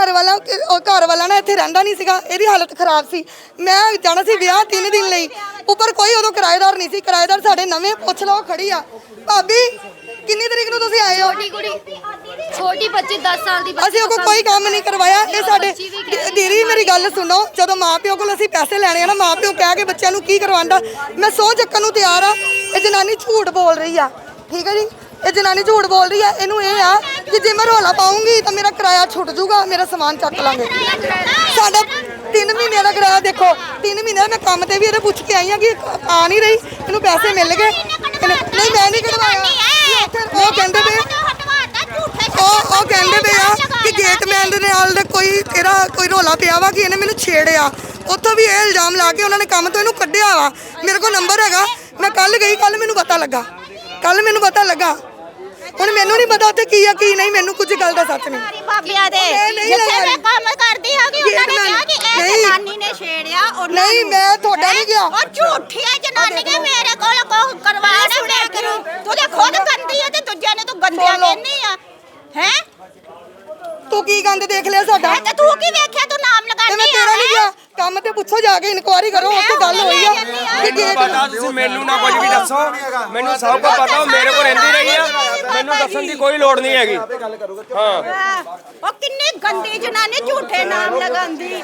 Speaker 2: ਘਰ ਵਾਲਾ ਨਾ ਇੱਥੇ ਰਹਿੰਦਾ ਨਹੀਂ ਸੀਗਾ ਇਹਦੀ ਹਾਲਤ ਖਰਾਬ ਸੀ ਮੈਂ ਜਾਣਾ ਸੀ ਵਿਆਹ 3 ਦਿਨ ਲਈ ਉੱਪਰ ਕੋਈ ਉਦੋਂ ਕਿਰਾਏਦਾਰ ਨਹੀਂ ਸੀ ਕਿਰਾਏਦਾਰ ਸਾਡੇ ਨਵੇਂ ਪੁੱਛ ਲਓ ਖੜੀ ਆ ਭਾਬੀ ਕਿੰਨੀ ਤਰੀਕ ਨੂੰ ਤੁਸੀਂ ਆਏ ਹੋ
Speaker 9: ਛੋਟੀ ਬੱਚੀ 10 ਸਾਲ ਦੀ
Speaker 2: ਅਸੀਂ ਉਹ ਕੋਈ ਕੰਮ ਨਹੀਂ ਕਰਵਾਇਆ ਇਹ ਸਾਡੇ ਦੀਦੀ ਮੇਰੀ ਗੱਲ ਸੁਣੋ ਜਦੋਂ ਮਾਪਿਓ ਕੋਲ ਅਸੀਂ ਪੈਸੇ ਲੈਣੇ ਆ ਨਾ ਮਾਪਿਓ ਕਹਿ ਕੇ ਬੱਚਿਆਂ ਨੂੰ ਕੀ ਕਰਵਾਉਂਦਾ ਮੈਂ ਸਹੁੰ ਚੱਕਣ ਨੂੰ ਤਿਆਰ ਆ ਇਹ ਜਨਾਨੀ ਝੂਠ ਬੋਲ ਰਹੀ ਆ ਠੀਕ ਹੈ ਜੀ ਇਹ ਜਨਾਨੀ ਝੂਠ ਬੋਲ ਰਹੀ ਆ ਇਹਨੂੰ ਇਹ ਆ ਕਿ ਜੇ ਮੈਂ ਰੌਲਾ ਪਾਉਂਗੀ ਤਾਂ ਮੇਰਾ ਕਿਰਾਇਆ ਛੁੱਟ ਜਾਊਗਾ ਮੇਰਾ ਸਮਾਨ ਚੱਕ ਲਾਂਗੇ ਸਾਡਾ 3 ਮਹੀਨਿਆਂ ਦਾ ਕਿਰਾਇਆ ਦੇਖੋ 3 ਮਹੀਨੇ ਮੈਂ ਕੰਮ ਤੇ ਵੀ ਇਹਦੇ ਪੁੱਛ ਕੇ ਆਈ ਆ ਕਿ ਆ ਨਹੀਂ ਰਹੀ ਇਹਨੂੰ ਪੈਸੇ ਮਿਲ ਗਏ ਨਹੀਂ ਮੈਂ ਨਹੀਂ ਕਢਵਾਇਆ ਉਹ ਕਹਿੰਦੇ ਪਏ ਉਹ ਕਹਿੰਦੇ ਪਏ ਆ ਕਿ ਗੇਟਮੈਨ ਦੇ ਨਾਲ ਕੋਈ ਇਹਦਾ ਕੋਈ ਰੌਲਾ ਪਿਆ ਵਾ ਕਿ ਇਹਨੇ ਮੈਨੂੰ ਛੇੜਿਆ ਉੱਥੋਂ ਵੀ ਇਹ ਇਲਜ਼ਾਮ ਲਾ ਕੇ ਉਹਨਾਂ ਨੇ ਕੰਮ ਤੋਂ ਇਹਨੂੰ ਕੱਢਿਆ ਵਾ ਮੇਰੇ ਕੋਲ ਨੰਬਰ ਹੈਗਾ ਮੈਂ ਕੱਲ ਗਈ ਕੱਲ ਮੈਨੂੰ ਪਤਾ ਲੱਗਾ ਹੁਣ ਮੈਨੂੰ ਨਹੀਂ ਪਤਾ ਉੱਥੇ ਕੀ ਆ ਕੀ ਨਹੀਂ ਮੈਨੂੰ ਕੁਝ ਗੱਲ ਦਾ ਸੱਚ ਨਹੀਂ
Speaker 5: ਬਾਬਿਆਂ ਦੇ ਜਿੱਥੇ ਮੈਂ ਕੰਮ ਕਰਦੀ ਹੈਗੀ ਉਹਨਾਂ ਨੇ ਕਿਹਾ ਕਿ ਇਹ ਜਨਾਨੀ ਨੇ ਛੇੜਿਆ ਉਹਨਾਂ
Speaker 2: ਨਹੀਂ ਮੈਂ ਤੁਹਾਡਾ ਨਹੀਂ ਗਿਆ
Speaker 5: ਉਹ ਝੂਠੀ ਹੈ ਜਨਾਨੀ ਕਿ ਮੇਰੇ ਕੋਲ ਕੋ ਕਰਵਾਣਾ ਮੈਂ ਕਰੂ ਤੂੰ ਤੇ ਖੁਦ ਗੰਦੀ ਹੈ ਤੇ ਦੂਜਿਆਂ ਨੇ ਤੂੰ ਗੰਦਿਆ ਕਹਿੰਦੀ ਆ ਹੈ
Speaker 2: ਤੂੰ ਕੀ ਗੰਦ ਦੇਖ ਲਿਆ ਸਾਡਾ
Speaker 5: ਤੇ ਤੂੰ ਕੀ ਵੇਖਿਆ ਤੂੰ ਨਾਮ
Speaker 2: ਤੇ ਮੈਂ
Speaker 5: ਲਗਾਉਂਦੀ
Speaker 2: ਤੇਰਾ ਨਹੀਂ ਗਿਆ ਕੰਮ ਤੇ ਪੁੱਛੋ ਜਾ ਕੇ ਇਨਕੁਆਇਰੀ ਕਰੋ ਉੱਥੇ ਗੱਲ ਹੋਈ ਆ ਕਿ
Speaker 8: ਮੈਨੂੰ
Speaker 2: ਗੇਟ
Speaker 8: ਪਤਾ ਤੁਸੀਂ ਮੈਨੂੰ ਨਾ ਕੁਝ ਵੀ ਦੱਸੋ ਮੈਨੂੰ ਸਭ ਕੁਝ ਪਤਾ ਮੇਰੇ ਕੋਲ ਰਹਿੰਦੀ ਰਹੀ ਆ ਮੈਨੂੰ ਦੱਸਣ ਦੀ ਕੋਈ ਲੋੜ ਨਹੀਂ ਹੈਗੀ ਹਾਂ
Speaker 5: ਉਹ ਕਿੰਨੀ ਗੰਦੀ ਜਨਾਨੀ ਝੂਠੇ ਨਾਮ ਲਗਾਉਂਦੀ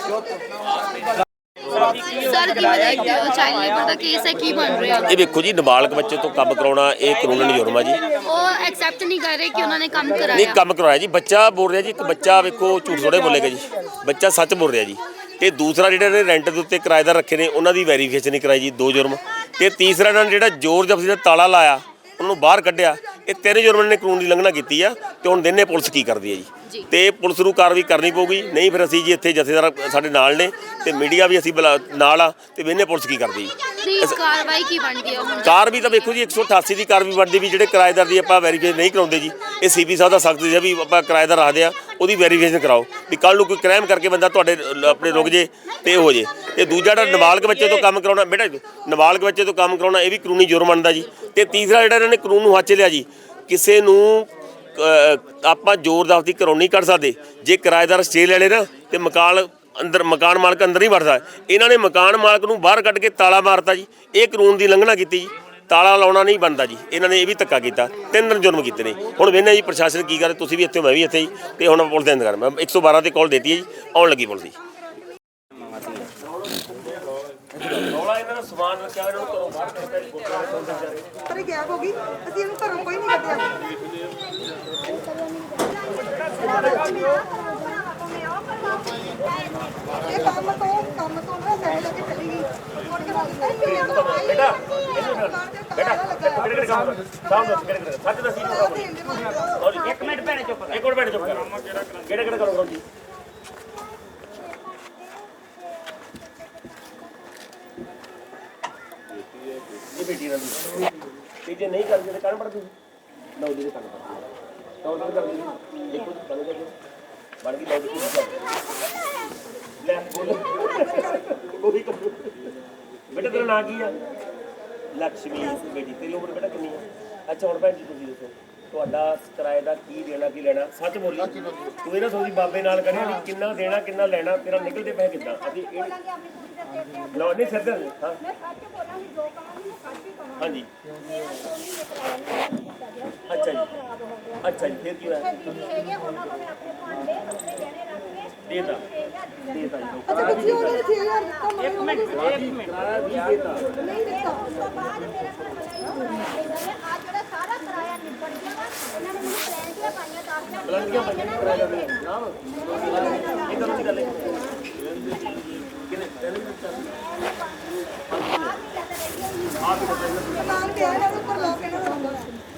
Speaker 9: ਸਰ ਕਿਵੇਂ ਦੇਖਦੇ ਹੋ ਚਾਈਲਡ ਲੇਬਰ ਦਾ ਕੇਸ ਹੈ ਕੀ ਬਣ ਰਿਹਾ
Speaker 1: ਇਹ ਵੇਖੋ ਜੀ ਨਾਬਾਲਗ ਬੱਚੇ ਤੋਂ ਕੰਮ ਕਰਾਉਣਾ ਇਹ ਕਾਨੂੰਨੀ ਜੁਰਮ ਆ ਜੀ
Speaker 9: ਉਹ ਐਕਸੈਪਟ ਨਹੀਂ ਕਰ ਰਹੇ ਕਿ ਉਹਨਾਂ ਨੇ ਕੰਮ
Speaker 1: ਨਹੀਂ
Speaker 9: ਕਰਾਇਆ
Speaker 1: ਕੰਮ ਕਰਵਾਇਆ ਜੀ ਬੱਚਾ ਬੋਲ ਰਿਹਾ ਜੀ ਇੱਕ ਬੱਚਾ ਵੇਖੋ ਝੂਠ ਥੋੜੇ ਬੋਲੇਗਾ ਜੀ ਬੱਚਾ ਸੱਚ ਬੋਲ ਰਿਹਾ ਜੀ ਤੇ ਦੂਸਰਾ ਜਿਹੜੇ ਨੇ ਰੈਂਟ ਦੇ ਉੱਤੇ ਕਿਰਾਏਦਾਰ ਰੱਖੇ ਨੇ ਉਹਨਾਂ ਦੀ ਵੈਰੀਫਿਕੇਸ਼ਨ ਨਹੀਂ ਕਰਾਈ ਜੀ 2 ਜੁਰਮ ਤੇ ਤੀਸਰਾ ਇਹਨਾਂ ਨੇ ਜਿਹੜਾ ਜ਼ੋਰ ਜ਼ਬਰਦਸਤੀ ਦਾ ਤਾਲਾ ਲਾਇਆ ਉਹਨੂੰ ਬਾਹਰ ਕੱਢਿਆ ਇਹ 3 ਜੁਰਮ ਨੇ ਕਾਨੂੰਨ ਦੀ ਉਲੰਘਣਾ ਕੀਤੀ ਆ ਤੇ ਹੁਣ ਦਿਨੇ ਪੁਲਿਸ ਕੀ ਕਰਦੀ ਹੈ ਜੀ ਤੇ ਪੁਲਿਸ ਨੂੰ ਕਾਰਵਾਈ ਕਰਨੀ ਪਊਗੀ ਨਹੀਂ ਫਿਰ ਅਸੀਂ ਜੀ ਇੱਥੇ ਜਥੇਦਾਰ ਸਾਡੇ ਨਾਲ ਨੇ ਤੇ ਮੀਡੀਆ ਵੀ ਅਸੀਂ ਨਾਲ ਆ ਤੇ ਵੇਨੇ ਪੁਲਿਸ ਕੀ ਕਰਦੀ
Speaker 9: ਨਹੀਂ ਕਾਰਵਾਈ ਕੀ ਬਣਦੀ ਹੈ ਹੁਣ
Speaker 1: ਕਾਰਵਾਈ ਤਾਂ ਵੇਖੋ ਜੀ 188 ਦੀ ਕਾਰਵਾਈ ਬਣਦੀ ਵੀ ਜਿਹੜੇ ਕਿਰਾਏਦਾਰ ਦੀ ਆਪਾਂ ਵੈਰੀਫਿਕੇਸ਼ਨ ਨਹੀਂ ਕਰਾਉਂਦੇ ਜੀ ਇਹ ਸੀਪੀ ਸਾਹਿਬ ਦਾ ਸਖਤ ਹੈ ਵੀ ਆਪਾਂ ਕਿਰਾਏਦਾਰ ਰੱਖਦੇ ਆ ਉਹਦੀ ਵੈਰੀਫਿਕੇਸ਼ਨ ਕਰਾਓ ਵੀ ਕੱਲ ਨੂੰ ਕੋਈ ਕ੍ਰਾਈਮ ਕਰਕੇ ਬੰਦਾ ਤੁਹਾਡੇ ਆਪਣੇ ਰੁਕ ਜੇ ਤੇ ਹੋ ਜੇ ਤੇ ਦੂਜਾ ਜਿਹੜਾ ਨਾਬਾਲਗ ਬੱਚੇ ਤੋਂ ਕੰਮ ਕਰਾਉਣਾ ਬੇਟਾ ਨਾਬਾਲਗ ਬੱਚੇ ਤੋਂ ਕੰਮ ਕਰਾਉਣਾ ਇਹ ਵੀ ਕਾਨੂੰਨੀ ਜੁਰਮ ਬਣਦਾ ਜੀ ਤੇ ਤੀਸਰਾ ਜਿਹੜਾ ਇਹਨਾਂ ਨੇ ਕਾਨੂੰਨ ਨੂੰ ਹੱਥ 'ਚ ਲਿਆ ਜੀ ਕਿਸੇ ਨੂੰ ਆਪਾਂ ਜ਼ੋਰ ਜ਼ਬਰਦਸਤੀ ਘਰੋਂ ਨਹੀਂ ਕੱਢ ਸਕਦੇ ਜੇ ਕਿਰਾਏਦਾਰ ਸਟੇ ਲੈ ਲੇ ਨਾ ਤੇ ਮਕਾਨ ਮਾਲਕ ਅੰਦਰ ਨਹੀਂ ਵੜਦਾ ਇਹਨਾਂ ਨੇ ਮਕਾਨ ਮਾਲਕ ਨੂੰ ਬਾਹਰ ਕੱਢ ਕੇ ਤਾਲਾ ਮਾਰਤਾ ਜੀ ਇਹ ਕਾਨੂੰਨ ਦੀ ਉਲੰਘਣਾ ਕੀਤੀ ਜੀ ਤਾਲਾ ਲਾਉਣਾ ਨਹੀਂ ਬਣਦਾ ਜੀ ਇਹਨਾਂ ਨੇ ਇਹ ਵੀ ਧੱਕਾ ਕੀਤਾ 3 ਦਿਨ ਜੁਰਮ ਕੀਤੇ ਨੇ ਹੁਣ ਵੇਖਦੇ ਜੀ ਪ੍ਰਸ਼ਾਸਨ ਕੀ ਕਰੇ ਤੁਸੀਂ ਵੀ ਇੱਥੇ ਮੈਂ ਵੀ ਇੱਥੇ ਜੀ ਤੇ ਹੁਣ ਪੁਲਿਸ ਦੇ ਇੰਤਜ਼ਾਰ ਮੈਂ 112 ਤੇ ਕਾਲ ਦਿੱਤੀ ਹੈ ਜੀ ਆਉਣ ਲੱਗੀ ਪੁਲਿਸ ਜੀ ਰੌਲਾ ਇਹਨਾਂ ਦਾ ਸਮਾਨ ਰੱਖਿਆ ਇਹਨਾਂ ਨੂੰ ਘਰੋਂ ਬਾਹਰ ਕੱਢਿਆ
Speaker 2: ਪਰ ਗੈਪ ਹੋ ਗਈ ਅਸੀਂ ਇਹਨੂੰ ਘਰੋਂ ਕੋਈ ਨਹੀਂ ਕੱਢਿਆ ਇਹ ਕੰਮ ਤੋਂ ਨਾ ਸਹਿ ਲੈ ਕੇ ਚਲੀ ਗਈ ਮੁੜ ਕੇ
Speaker 1: ਬੇਟਾ ਕਿਹੜੇ ਕੰਮ ਸਾਹਮ ਦੱਸ ਕਿਹੜੇ ਸੱਚ ਦੱਸੀ ਇੱਕ ਮਿੰਟ ਭੈਣੇ ਚੁੱਪ ਇੱਕ ਮਿੰਟ ਭੈਣੇ ਚੁੱਪ ਕਿਹੜੇ ਕਰੋ ਜੀ ਇਹ ਬੇਟੀ ਨਾਲ ਤੇ ਜੇ ਨਹੀਂ ਕਰਦੇ ਤਾਂ ਕਰਨ ਪੜਦੀ ਲਓ ਜੀ ਕਰਨ ਪੜਦੀ ਤਾਂ ਉਹ ਕਰਦੀ ਦੇਖੋ ਬਣ ਗਈ ਲਓ ਜੀ ਲੈ ਕੋਈ ਬੇਟਾ ਤੇਰਾ ਨਾਂ ਕੀ ਆ ਲక్ష్ਮੀ ਬੇਟੀ ਤੇਰੀ ਉਮਰ ਬੇਟਾ ਕਿੰਨੀ ਆ ਅੱਛਾ ਹੁਣ ਭੈਣ ਜੀ ਤੁਸੀਂ ਦੱਸੋ ਤੁਹਾਡਾ ਕਿਰਾਏ ਦਾ ਕੀ ਦੇਣਾ ਕੀ ਲੈਣਾ ਸੱਚ ਬੋਲੀ ਤੂੰ ਇਹਨਾਂ ਸੋਚੀ ਬਾਬੇ ਨਾਲ ਕਰਿਆ ਵੀ ਕਿੰਨਾ ਦੇਣਾ ਕਿੰਨਾ ਲੈਣਾ ਤੇਰਾ ਨਿਕਲਦੇ ਪਏ ਕਿੱਦਾਂ ਅਸੀਂ ਲਓ ਨਹੀਂ ਸਿੱਧਾ ਹਾਂ ਹਾਂਜੀ ਅੱਛਾ ਜੀ ਫਿਰ ਕੀ ਹੋਇਆ ਦੇਤਾ ਜੀ
Speaker 2: ਅੱਛਾ ਬੱਚੀ ਉਹਨਾਂ ਨੇ 6000 ਦਿੱਤਾ
Speaker 1: ਇੱਕ ਮਿੰਟ
Speaker 2: ਨਹੀਂ ਦਿੱਤਾ
Speaker 5: ਉਸ ਤੋਂ ਬਾਅਦ ਮੇਰਾ ਘਰ ਵਾਲਾ ਆ ਜਿਹੜਾ ਸਾਰਾ ਕਿਰਾਇਆ ਨਿਬੜ ਗਿਆ ਵਾ ਇਹਨਾਂ ਨੇ ਮੈਨੂੰ ਪਲੈਨਟੀਆਂ ਪਾਈਆਂ 10,000
Speaker 1: ਕਿਰਾਇਆ ਦੇ ਨਾ ਇਹ ਤਾਂ ਨਹੀਂ ਗੱਲ ਹੈ ਕਿਨੇ
Speaker 2: ਮਕਾਨ ਤੇ ਆਇਆ ਉਹਦੇ ਉੱਪਰ ਲੋਕ ਇਹਨਾਂ ਦਾ ਹੁੰਦਾ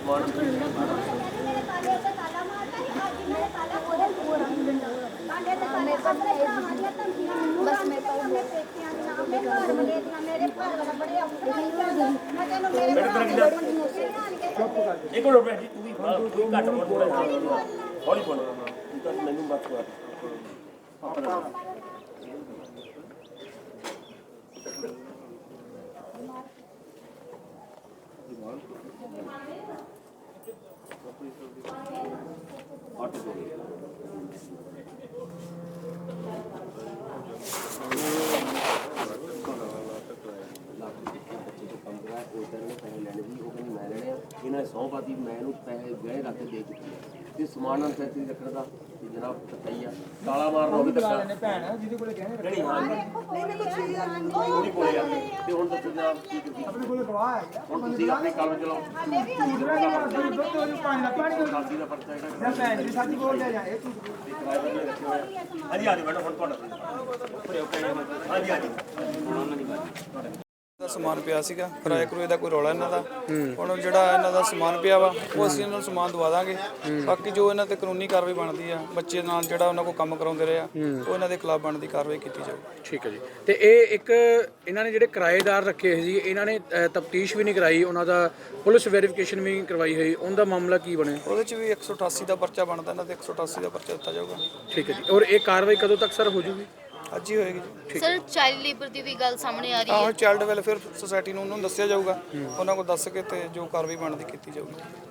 Speaker 5: ਤਾਲਾ ਮਾਰਦਾ ਨਹੀਂ ਅੱਜ ਮੇਰੇ ਤਾਲਾ ਕੋਲੇ ਪੂਰਾ ਬਾਂਡੇ ਤੇ ਤਾਲੇ ਪੱਤਰੇ ਹਮਾਰੀਆਂ ਧਮਕੀਆਂ ਬਸ ਮੇਰੇ ਪੇਟੀਆਂ ਦੇ ਨਾਮ ਮੇਰੇ ਘਰ ਵਾਲੇ ਦੀਆਂ ਮੇਰੇ ਘਰ ਵਾਲਾ ਬੜੇ ਔਖੇ ਮੈਂ ਤੈਨੂੰ ਮੇਰੇ
Speaker 1: ਇੱਕ ਮਿੰਟ ਭੈਣ ਜੀ ਤੂੰ ਵੀ ਘੱਟ ਬੋਲ ਹੌਲੀ ਬੋਲ ਤੂੰ ਤਾਂ ਮੈਨੂੰ ਮਤ ਕਰ ਇਹਨਾਂ ਨੇ ਸੌ ਪਾਤੀ ਮੈਂ ਇਹਨੂੰ ਪੈਸੇ ਗਹਿ ਰੱਖ ਕੇ ਦੇ ਦਿੱਤੀ ਤੇ ਸਮਾਨ ਨਾਲ ਸੈਤੀ ਰੱਖਣ ਦਾ ਜਨਾਬ ਪਤਾ ਹੀ ਆ ਤਾਲਾ ਮਾਰਨਾ ਉਹ ਵੀ ਧੱਕਾ ਭੈਣ ਜਿਹਦੇ ਕੋਲੇ ਗਹਿਣੇ ਰੱਖੇ ਹਾਂ
Speaker 2: ਨਹੀਂ ਮੇਰੇ ਕੋਲ 6000
Speaker 1: ਉਹਦੀ ਕੋਲੇ ਆ ਤੇ ਹੁਣ ਦੱਸੋ ਜਨਾਬ ਕੀ ਕੀਤੀ ਆਪਣੇ ਕੋਲੇ ਗਵਾਹ ਹੈ ਹੁਣ ਤੁਸੀਂ ਆਪਣੇ ਕੰਮ ਚਲਾਓ ਸਾਡੀ ਦਾ ਪਰਚਾ ਜਿਹੜਾ ਭੈਣ ਜੀ ਸੱਚ ਬੋਲਦੇ ਜਾ ਇਹ ਹਾਂਜੀ ਹਾਂਜੀ ਮੈਡਮ ਹੁਣ ਤੁਹਾਡਾ ਹਾਂਜੀ ਹਾਂਜੀ
Speaker 11: ਦਾ ਸਮਾਨ ਪਿਆ ਸੀਗਾ ਕਿਰਾਏ ਕਰੂਏ ਦਾ ਕੋਈ ਰੌਲਾ ਇਹਨਾਂ ਦਾ ਹੁਣ ਜਿਹੜਾ ਇਹਨਾਂ ਦਾ ਸਮਾਨ ਪਿਆ ਵਾ ਉਹ ਅਸੀਂ ਇਹਨਾਂ ਨੂੰ ਸਮਾਨ ਦਵਾ ਦਾਂਗੇ ਬਾਕੀ ਜੋ ਇਹਨਾਂ ਤੇ ਕਾਨੂੰਨੀ ਕਾਰਵਾਈ ਬਣਦੀ ਆ ਬੱਚੇ ਨਾਲ ਜਿਹੜਾ ਉਹਨਾਂ ਕੋਲ ਕੰਮ ਕਰਾਉਂਦੇ ਰਹੇ ਆ ਉਹ ਇਹਨਾਂ ਦੇ ਖਿਲਾਫ ਬਣਦੀ ਕਾਰਵਾਈ ਕੀਤੀ ਜਾਊ
Speaker 3: ਠੀਕ ਹੈ ਜੀ ਤੇ ਇਹ ਇੱਕ ਇਹਨਾਂ ਨੇ ਜਿਹੜੇ ਕਿਰਾਏਦਾਰ ਰੱਖੇ ਹੋਏ ਸੀ ਇਹਨਾਂ ਨੇ ਤਫਤੀਸ਼ ਵੀ ਨਹੀਂ ਕਰਾਈ ਉਹਨਾਂ ਦਾ ਪੁਲਿਸ ਵੈਰੀਫਿਕੇਸ਼ਨ ਵੀ ਕਰਵਾਈ ਹੋਈ ਉਹਦਾ ਮਾਮਲਾ ਕੀ ਬਣਿਆ
Speaker 11: ਉਹਦੇ ਚ ਵੀ 188 ਦਾ ਪਰਚਾ ਬਣਦਾ ਇਹਨਾਂ ਤੇ 188 ਦਾ ਪਰਚਾ ਦਿੱਤਾ ਜਾਊਗਾ
Speaker 3: ਠੀਕ ਹੈ ਜੀ ਔਰ ਇਹ ਕਾਰਵਾਈ ਕਦੋਂ ਤੱਕ ਸਰ ਹੋ ਜੂਗੀ
Speaker 11: ਅੱਜ ਹੀ ਹੋਏਗੀ ਜੀ
Speaker 9: ਸਰ ਚਾਈਲਡ ਲੇਬਰ ਦੀ ਵੀ ਗੱਲ ਸਾਹਮਣੇ ਆ ਰਹੀ ਹੈ
Speaker 11: ਆਹੋ ਚਾਈਲਡ ਵੈਲਫੇਅਰ ਸੁਸਾਇਟੀ ਨੂੰ ਉਹਨਾਂ ਨੂੰ ਦੱਸਿਆ ਜਾਊਗਾ ਉਹਨਾਂ ਕੋਲ ਦੱਸ ਕੇ ਤੇ ਜੋ ਕਾਰਵਾਈ ਬਣਦੀ ਕੀਤੀ ਜਾਊਗੀ